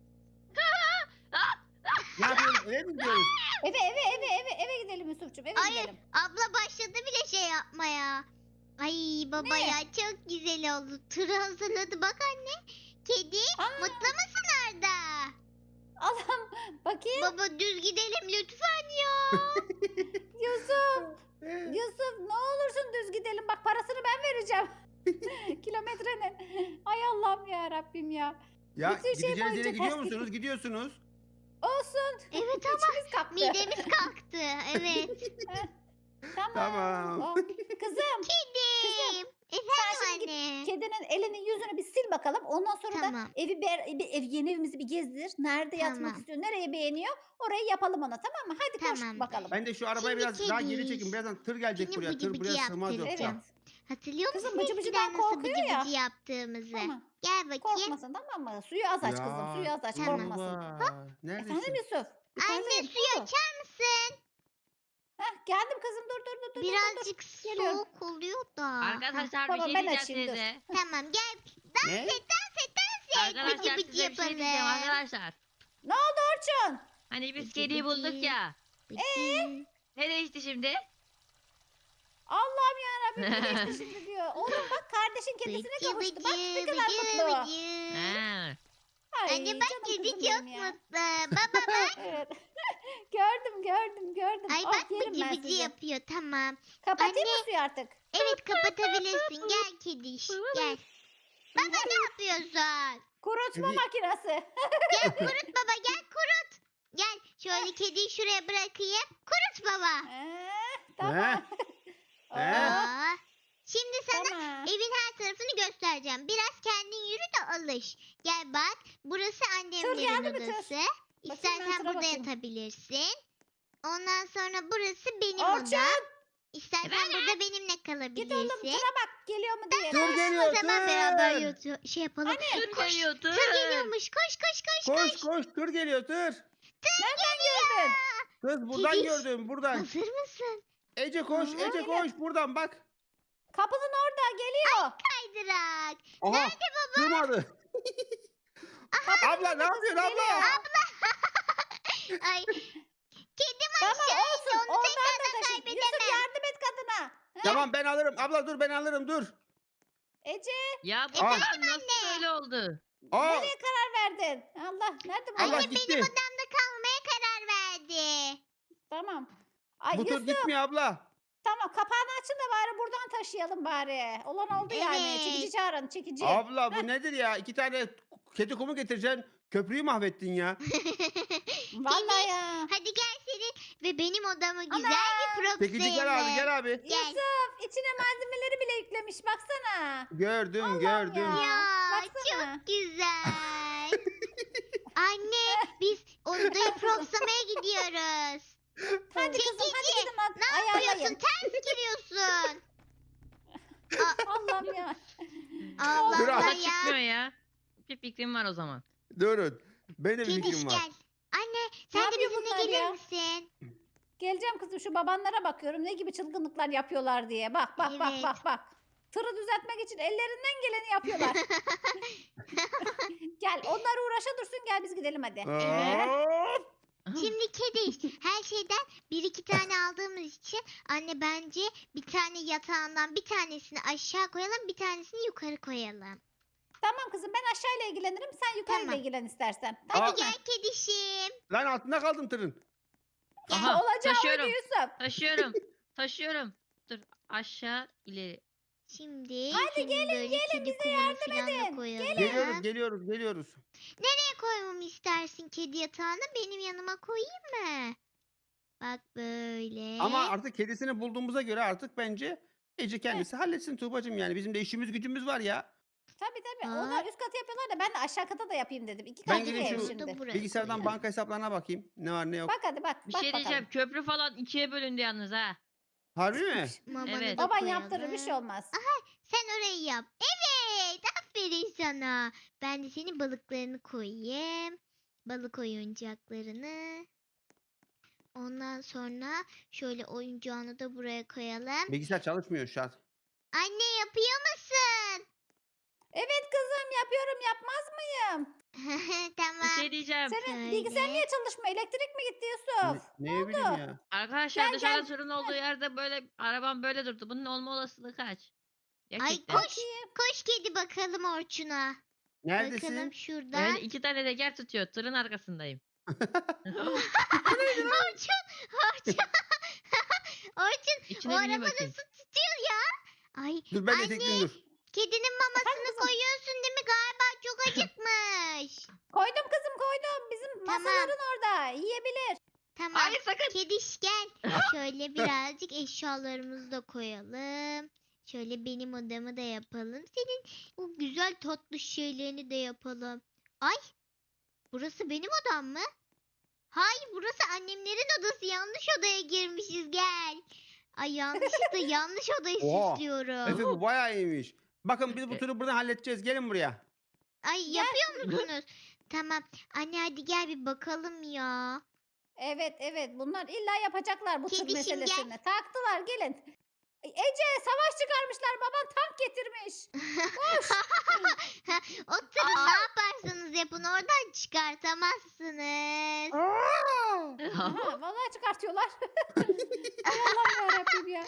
[SPEAKER 4] Ne yapıyoruz? Eve mi gidiyoruz?
[SPEAKER 3] Eve eve eve eve eve gidelim Yusuf'cum. Eve
[SPEAKER 1] Hayır.
[SPEAKER 3] gidelim.
[SPEAKER 1] Abla başladı bile şey yapmaya. Ay baba
[SPEAKER 3] Ne?
[SPEAKER 1] ya çok güzel oldu. Tır hazırladı bak anne. Kedi
[SPEAKER 3] Aa,
[SPEAKER 1] mutlu musun Arda?
[SPEAKER 3] Allah'ım bakayım.
[SPEAKER 1] Baba düz gidelim lütfen ya.
[SPEAKER 3] Yusuf. Yusuf ne olursun düz gidelim. Bak parasını ben vereceğim. Kilometrenin. Ay Allah'ım ya Rabbim ya.
[SPEAKER 4] Ya
[SPEAKER 3] Bütün şey
[SPEAKER 4] gideceğiniz yere
[SPEAKER 3] boyunca
[SPEAKER 4] gidiyor
[SPEAKER 3] ters
[SPEAKER 4] musunuz? Gidiyorsunuz.
[SPEAKER 3] Olsun.
[SPEAKER 1] Evet ama
[SPEAKER 3] İçimiz kalktı.
[SPEAKER 1] midemiz kalktı. Evet.
[SPEAKER 3] Heh, tamam.
[SPEAKER 4] Tamam.
[SPEAKER 3] Oh. Kızım
[SPEAKER 1] Kedim.
[SPEAKER 3] sen
[SPEAKER 1] Efendim
[SPEAKER 3] şimdi git
[SPEAKER 1] anne.
[SPEAKER 3] kedinin elini yüzünü bir sil bakalım. Ondan sonra
[SPEAKER 1] Tamam.
[SPEAKER 3] da evi bir, bir ev, yeni evimizi bir gezdir. Nerede yatmak
[SPEAKER 1] Tamam.
[SPEAKER 3] istiyor, nereyi beğeniyor orayı yapalım ona, tamam mı? Hadi koş
[SPEAKER 1] Tamamdır.
[SPEAKER 3] bakalım.
[SPEAKER 4] Ben de şu arabayı
[SPEAKER 1] Şimdi
[SPEAKER 4] biraz daha geri çekin.
[SPEAKER 1] kediş.
[SPEAKER 4] Birazdan tır gelecek
[SPEAKER 1] Seni
[SPEAKER 4] buraya.
[SPEAKER 1] bıcı
[SPEAKER 4] Tır
[SPEAKER 1] bıcı
[SPEAKER 4] buraya sığmaz
[SPEAKER 1] yaptıracağım.
[SPEAKER 4] yoksa.
[SPEAKER 3] Evet.
[SPEAKER 1] Hatırlıyor
[SPEAKER 3] Kızım,
[SPEAKER 1] musun
[SPEAKER 3] bıcı bıcıdan
[SPEAKER 1] eskiden nasıl
[SPEAKER 3] korkuyor
[SPEAKER 1] bıcı
[SPEAKER 3] ya.
[SPEAKER 1] bıcı yaptığımızı?
[SPEAKER 3] Tamam.
[SPEAKER 1] Gel bakayım.
[SPEAKER 3] Korkmasın, tamam mı? Suyu az aç kızım. Suyu az aç,
[SPEAKER 1] Tamam.
[SPEAKER 3] korkmasın.
[SPEAKER 4] Tuğba, neredesin?
[SPEAKER 3] Efendim Yusuf?
[SPEAKER 1] Anne
[SPEAKER 3] Yukarıdayım,
[SPEAKER 1] suyu
[SPEAKER 3] ne oldu?
[SPEAKER 1] açar mısın?
[SPEAKER 3] Heh, geldim kızım, dur dur dur dur. dur, dur.
[SPEAKER 1] Birazcık
[SPEAKER 3] Geliyorum.
[SPEAKER 1] soğuk oluyor da.
[SPEAKER 2] Arkadaşlar bir
[SPEAKER 3] Tamam,
[SPEAKER 2] şey
[SPEAKER 3] ben
[SPEAKER 2] diyeceğim
[SPEAKER 3] açayım, dur.
[SPEAKER 2] size.
[SPEAKER 1] Tamam gel.
[SPEAKER 4] Ne?
[SPEAKER 1] Dans et dans et. Bıcı
[SPEAKER 2] Arkadaşlar
[SPEAKER 1] bıcı
[SPEAKER 2] size bir şey diyeceğim
[SPEAKER 1] yapalım.
[SPEAKER 2] arkadaşlar.
[SPEAKER 3] Ne oldu Orçun?
[SPEAKER 2] Hani biz
[SPEAKER 1] Bıcı
[SPEAKER 2] kediyi
[SPEAKER 1] bıcı.
[SPEAKER 2] bulduk ya.
[SPEAKER 1] Bıcı.
[SPEAKER 2] Ne değişti şimdi?
[SPEAKER 3] Allah'ım yarabbim, ne geçti şimdi diyor. Oğlum bak, kardeşin kedisine
[SPEAKER 1] Bıcı
[SPEAKER 3] kavuştu. Bak ne
[SPEAKER 1] bıcı
[SPEAKER 3] kadar
[SPEAKER 1] bıcı
[SPEAKER 3] mutlu.
[SPEAKER 1] bıcı.
[SPEAKER 2] Ha.
[SPEAKER 3] Ay,
[SPEAKER 1] Anne bak
[SPEAKER 3] canım
[SPEAKER 1] kedi
[SPEAKER 3] kızım
[SPEAKER 1] çok
[SPEAKER 3] benim ya.
[SPEAKER 1] mutlu. Baba bak.
[SPEAKER 3] Evet. gördüm gördüm gördüm.
[SPEAKER 1] Ay
[SPEAKER 3] Ah,
[SPEAKER 1] bak
[SPEAKER 3] yerim
[SPEAKER 1] bıcı
[SPEAKER 3] ben
[SPEAKER 1] bıcı
[SPEAKER 3] sizi.
[SPEAKER 1] yapıyor tamam.
[SPEAKER 3] Kapatayım
[SPEAKER 1] Anne.
[SPEAKER 3] mı suyu artık?
[SPEAKER 1] Evet kapatabilirsin. Gel kediş. Gel. Baba ne yapıyorsun?
[SPEAKER 3] Kurutma
[SPEAKER 4] Kedi-
[SPEAKER 3] makinesi.
[SPEAKER 1] Gel kurut baba gel kurut. Gel şöyle kediyi şuraya bırakayım. Kurut baba.
[SPEAKER 3] Ee, tamam.
[SPEAKER 4] He?
[SPEAKER 1] Aa, şimdi sana
[SPEAKER 3] Tamam.
[SPEAKER 1] evin her tarafını göstereceğim. Biraz kendin yürü de alış. Gel bak. Burası annemlerin
[SPEAKER 3] geldi mi tır?
[SPEAKER 1] odası.
[SPEAKER 3] Bakayım ben
[SPEAKER 1] İstersen
[SPEAKER 3] tıra
[SPEAKER 1] burada
[SPEAKER 3] bakayım.
[SPEAKER 1] yatabilirsin. Ondan sonra burası benim
[SPEAKER 3] Orçun,
[SPEAKER 1] odam. İstersen
[SPEAKER 2] Efendim?
[SPEAKER 1] burada benimle
[SPEAKER 3] git oğlum
[SPEAKER 1] kalabilirsin.
[SPEAKER 3] tıra bak, geliyor mu diye.
[SPEAKER 4] Tır geliyor
[SPEAKER 1] O zaman beraber
[SPEAKER 4] tır.
[SPEAKER 1] yatıyor, şey yapalım.
[SPEAKER 2] Tır
[SPEAKER 1] Koş.
[SPEAKER 2] geliyor tır.
[SPEAKER 1] Tır geliyormuş. Koş koş koş koş.
[SPEAKER 4] Koş koş tır geliyor tır.
[SPEAKER 3] Nereden gördün?
[SPEAKER 4] Kız buradan
[SPEAKER 1] Kediş.
[SPEAKER 4] gördüm buradan.
[SPEAKER 1] Hazır mısın?
[SPEAKER 4] Ece koş
[SPEAKER 1] Aa,
[SPEAKER 4] Ece koş buradan bak.
[SPEAKER 3] Kapının orada geliyor.
[SPEAKER 1] Kaydırak.
[SPEAKER 4] Aha,
[SPEAKER 1] Nerede baba?
[SPEAKER 4] sığmadı. Abla ne yapıyorsun abla?
[SPEAKER 3] Geliyor.
[SPEAKER 1] Ay. Kedim
[SPEAKER 3] Tamam
[SPEAKER 1] aşağı indi.
[SPEAKER 3] olsun.
[SPEAKER 1] Onu
[SPEAKER 3] Ondan da
[SPEAKER 1] tekrardan
[SPEAKER 3] taşı. Yusuf
[SPEAKER 1] kaybedemem.
[SPEAKER 3] yardım et kadına. Heh,
[SPEAKER 4] Tamam ben alırım. Abla dur ben alırım dur.
[SPEAKER 3] Ece
[SPEAKER 2] Ya bu
[SPEAKER 4] Efendim
[SPEAKER 2] kadar nasıl böyle oldu?
[SPEAKER 4] Aa,
[SPEAKER 3] nereye karar verdin? Allah nerede bu?
[SPEAKER 4] Allah
[SPEAKER 1] Anne
[SPEAKER 4] gitti.
[SPEAKER 1] benim odamda kalmaya karar verdi.
[SPEAKER 3] Tamam. Ay
[SPEAKER 4] bu tır
[SPEAKER 3] Yusuf,
[SPEAKER 4] gitmiyor abla.
[SPEAKER 3] tamam, kapağını açın da bari buradan taşıyalım bari. Olan oldu yani.
[SPEAKER 1] Evet.
[SPEAKER 3] Çekici çağırın, çekici.
[SPEAKER 4] Abla bu nedir ya? İki tane kedi kumu getireceksin. Köprüyü mahvettin ya.
[SPEAKER 3] Vallahi ya.
[SPEAKER 1] Hadi gel senin ve benim odamı güzel
[SPEAKER 3] Ana!
[SPEAKER 1] bir prop
[SPEAKER 4] Çekici gel abi gel abi.
[SPEAKER 1] Gel.
[SPEAKER 3] Yusuf içine malzemeleri bile yüklemiş, baksana.
[SPEAKER 4] Gördüm
[SPEAKER 3] Allah'ım
[SPEAKER 4] gördüm.
[SPEAKER 3] ya.
[SPEAKER 1] Ya
[SPEAKER 3] Baksana.
[SPEAKER 1] çok güzel. Anne biz odayı propsamaya gidiyoruz.
[SPEAKER 3] Hadi kızım, hadi
[SPEAKER 1] Çekici,
[SPEAKER 3] gidin lan.
[SPEAKER 1] Ne
[SPEAKER 3] Ayarlayın.
[SPEAKER 1] yapıyorsun? Ters giriyorsun.
[SPEAKER 3] Allah'ım ya.
[SPEAKER 1] Allah
[SPEAKER 4] Dur,
[SPEAKER 1] Allah
[SPEAKER 2] Ama
[SPEAKER 1] ya.
[SPEAKER 2] çıkmıyor ya. Bir fikrim var o zaman.
[SPEAKER 4] Durun. Benim bir
[SPEAKER 1] Kediş
[SPEAKER 4] fikrim var.
[SPEAKER 1] gel. Anne sen de
[SPEAKER 3] yapıyor
[SPEAKER 1] bizimle
[SPEAKER 3] bunlar
[SPEAKER 1] gelir
[SPEAKER 3] ya?
[SPEAKER 1] misin?
[SPEAKER 3] Geleceğim kızım, şu babanlara bakıyorum ne gibi çılgınlıklar yapıyorlar diye. Bak bak bak
[SPEAKER 1] Evet.
[SPEAKER 3] bak bak. Tırı düzeltmek için ellerinden geleni yapıyorlar. Gel, onlar uğraşa dursun, gel biz gidelim hadi.
[SPEAKER 4] Hop.
[SPEAKER 1] Şimdi kediş her şeyden bir iki tane aldığımız için anne bence bir tane yatağından bir tanesini aşağı koyalım bir tanesini yukarı koyalım.
[SPEAKER 3] Tamam kızım, ben aşağıyla ilgilenirim, sen yukarıyla
[SPEAKER 1] Tamam.
[SPEAKER 3] ilgilen istersen.
[SPEAKER 1] Hadi
[SPEAKER 3] Tamam mı?
[SPEAKER 1] gel kedişim.
[SPEAKER 4] Lan altında kaldım tırın.
[SPEAKER 2] Aha
[SPEAKER 3] Olacağı
[SPEAKER 2] taşıyorum.
[SPEAKER 3] oydu Yusuf.
[SPEAKER 2] Taşıyorum. Taşıyorum. Dur aşağı ileri.
[SPEAKER 1] Şimdi
[SPEAKER 3] Hadi
[SPEAKER 1] senin
[SPEAKER 3] gelin,
[SPEAKER 1] böyle
[SPEAKER 3] gelin,
[SPEAKER 1] kedi
[SPEAKER 3] bize
[SPEAKER 1] kumunu
[SPEAKER 3] yardım
[SPEAKER 1] falan da
[SPEAKER 3] edin.
[SPEAKER 1] koyalım.
[SPEAKER 4] Geliyoruz geliyoruz geliyoruz.
[SPEAKER 1] Nereye koymamı istersin kedi yatağını? Benim yanıma koyayım mı? Bak böyle.
[SPEAKER 4] Ama artık kedisini bulduğumuza göre artık bence Ece kendisi halletsin Tuğbacığım yani. Bizim de işimiz gücümüz var ya.
[SPEAKER 3] Tabii tabii.
[SPEAKER 1] Aa.
[SPEAKER 3] Onlar üst katı yapıyorlar da ben de aşağı kata da yapayım dedim. İki
[SPEAKER 4] Ben
[SPEAKER 3] katlı
[SPEAKER 4] gideyim
[SPEAKER 3] ev
[SPEAKER 4] şu
[SPEAKER 3] şimdi.
[SPEAKER 1] Buraya
[SPEAKER 4] Bilgisayardan
[SPEAKER 1] koyalım.
[SPEAKER 4] banka hesaplarına bakayım. Ne var ne yok.
[SPEAKER 3] Bak hadi bak.
[SPEAKER 2] Bir
[SPEAKER 3] bak
[SPEAKER 2] şey
[SPEAKER 3] bakalım.
[SPEAKER 2] diyeceğim. Köprü falan ikiye bölündü yalnız ha.
[SPEAKER 4] Harbi mi?
[SPEAKER 1] Mamanı
[SPEAKER 2] Evet.
[SPEAKER 1] da
[SPEAKER 3] Baban
[SPEAKER 1] koyalım.
[SPEAKER 3] yaptırır, bir şey olmaz.
[SPEAKER 1] Sen orayı yap. Evet. Aferin sana. Ben de senin balıklarını koyayım. Balık oyuncaklarını. Ondan sonra şöyle oyuncağını da buraya koyalım.
[SPEAKER 4] Bilgisayar çalışmıyor şu an.
[SPEAKER 1] Anne yapıyor musun?
[SPEAKER 3] Evet kızım, yapıyorum, yapmaz mıyım?
[SPEAKER 2] Bir
[SPEAKER 1] Tamam.
[SPEAKER 2] şey diyeceğim.
[SPEAKER 3] Senin
[SPEAKER 1] Şöyle.
[SPEAKER 3] bilgisayar niye çalışmıyor? Elektrik mi gitti
[SPEAKER 4] Ne,
[SPEAKER 3] Yusuf?
[SPEAKER 4] neye bileyim ya.
[SPEAKER 2] Arkadaşlar
[SPEAKER 3] Gel,
[SPEAKER 2] dışarıda
[SPEAKER 3] gel.
[SPEAKER 2] sorun olduğu yerde böyle arabam böyle durdu. Bunun olma olasılığı kaç?
[SPEAKER 1] Ay
[SPEAKER 2] Gerçekten.
[SPEAKER 1] koş. Koş kedi bakalım Orçun'a.
[SPEAKER 4] Neredesin?
[SPEAKER 1] Bakalım şurada.
[SPEAKER 2] Öyle iki tane teker tutuyor. Tırın arkasındayım.
[SPEAKER 1] Orçun. Orçun. Orçun.
[SPEAKER 2] İçine
[SPEAKER 1] O
[SPEAKER 2] bineyim
[SPEAKER 1] araba
[SPEAKER 2] bakayım.
[SPEAKER 1] nasıl tutuyor ya? Ay
[SPEAKER 4] Dur ben de
[SPEAKER 1] anne.
[SPEAKER 4] tekleyeyim dur.
[SPEAKER 1] Kedinin mamasını
[SPEAKER 3] kızım.
[SPEAKER 1] koyuyorsun değil mi? Galiba çok acıkmış. koş.
[SPEAKER 3] Koydum kızım koydum. Bizim
[SPEAKER 1] Tamam.
[SPEAKER 3] masaların orada. Yiyebilir.
[SPEAKER 1] Tamam.
[SPEAKER 2] Hayır sakın.
[SPEAKER 1] Kediş gel. Şöyle birazcık eşyalarımızı da koyalım. Şöyle benim odamı da yapalım. Senin o güzel tatlı şeylerini de yapalım. Ay. Burası benim odam mı? Hayır, burası annemlerin odası. Yanlış odaya girmişiz, gel. Ay yanlışlıkla yanlış odayı
[SPEAKER 4] Oha.
[SPEAKER 1] süslüyorum.
[SPEAKER 4] Efe bu bayağı iyiymiş. Bakın biz bu turu buradan halledeceğiz. Gelin buraya.
[SPEAKER 1] Ay yapıyor musunuz? Tamam. Anne hadi gel bir bakalım ya.
[SPEAKER 3] Evet evet bunlar illa yapacaklar bu tır
[SPEAKER 1] Kedişim, gel.
[SPEAKER 3] meselesini. Taktılar gelin. Ece savaş çıkarmışlar baban tank getirmiş.
[SPEAKER 1] O tırı ne yaparsanız yapın oradan çıkartamazsınız.
[SPEAKER 3] Aha, vallahi çıkartıyorlar. Ay Allah'ım yarabbim ya.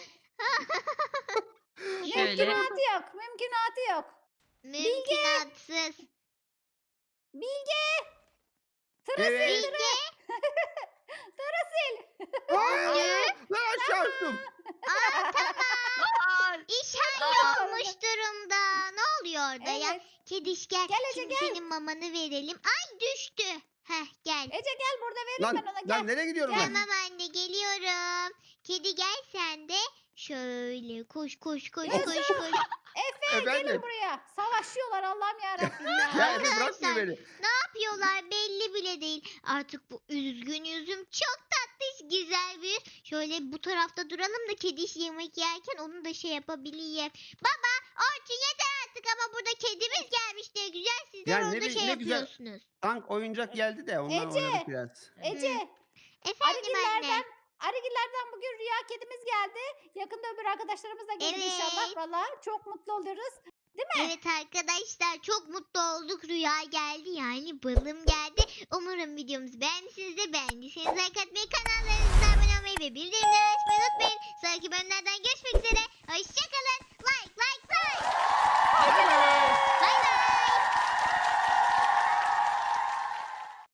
[SPEAKER 2] Şöyle.
[SPEAKER 3] Mümkünatı yok. Mümkünatı yok.
[SPEAKER 1] Mümkünatsız.
[SPEAKER 3] Bilge. Tırı
[SPEAKER 4] Evet.
[SPEAKER 3] sil tırı. Tırı sil.
[SPEAKER 4] Aa, lan aşağı attım.
[SPEAKER 1] Aa tamam.
[SPEAKER 2] Aa,
[SPEAKER 1] İş
[SPEAKER 3] Aa.
[SPEAKER 1] hallolmuş durumda. Ne oluyor orada ya?
[SPEAKER 3] Evet.
[SPEAKER 1] Kediş gel.
[SPEAKER 3] Gel Ece,
[SPEAKER 1] Şimdi
[SPEAKER 3] gel.
[SPEAKER 1] senin mamanı verelim. Ay düştü. Heh gel.
[SPEAKER 3] Ece gel burada vereyim
[SPEAKER 4] Lan,
[SPEAKER 3] ben ona gel.
[SPEAKER 4] lan nereye gidiyorum ben?
[SPEAKER 1] Tamam anne geliyorum. Kedi gel sen de. Şöyle koş koş koş koş koş.
[SPEAKER 3] Efe
[SPEAKER 4] Efendim?
[SPEAKER 3] gelin buraya. Savaşıyorlar Allah'ım yarabbim ya.
[SPEAKER 4] Ya Efe bırakmıyor
[SPEAKER 1] Arkadaşlar,
[SPEAKER 4] beni.
[SPEAKER 1] Ne yapıyorlar belli bile değil. Artık bu üzgün yüzüm çok tatlış güzel bir. Şöyle bu tarafta duralım da kediş yemek yerken onu da şey yapabileyim. Baba Orçun yeter artık ama burada kedimiz gelmiş diye güzel sizler
[SPEAKER 4] Ya
[SPEAKER 1] orada
[SPEAKER 4] ne bi-
[SPEAKER 1] şey
[SPEAKER 4] ne güzel.
[SPEAKER 1] yapıyorsunuz.
[SPEAKER 4] Tank oyuncak geldi de ondan
[SPEAKER 3] Ece.
[SPEAKER 4] oynadık biraz.
[SPEAKER 3] Ece
[SPEAKER 1] Efendim anne.
[SPEAKER 3] Arigillerden, Arigillerden bugün rüya kedimiz geldi. Yakında öbür arkadaşlarımız da gelir
[SPEAKER 1] Evet.
[SPEAKER 3] inşallah. Valla çok mutlu oluruz.
[SPEAKER 1] Evet arkadaşlar çok mutlu olduk. Rüya geldi yani balım geldi. Umarım videomuzu beğenmişsinizdir. Beğendiyseniz like atmayı, kanallarınıza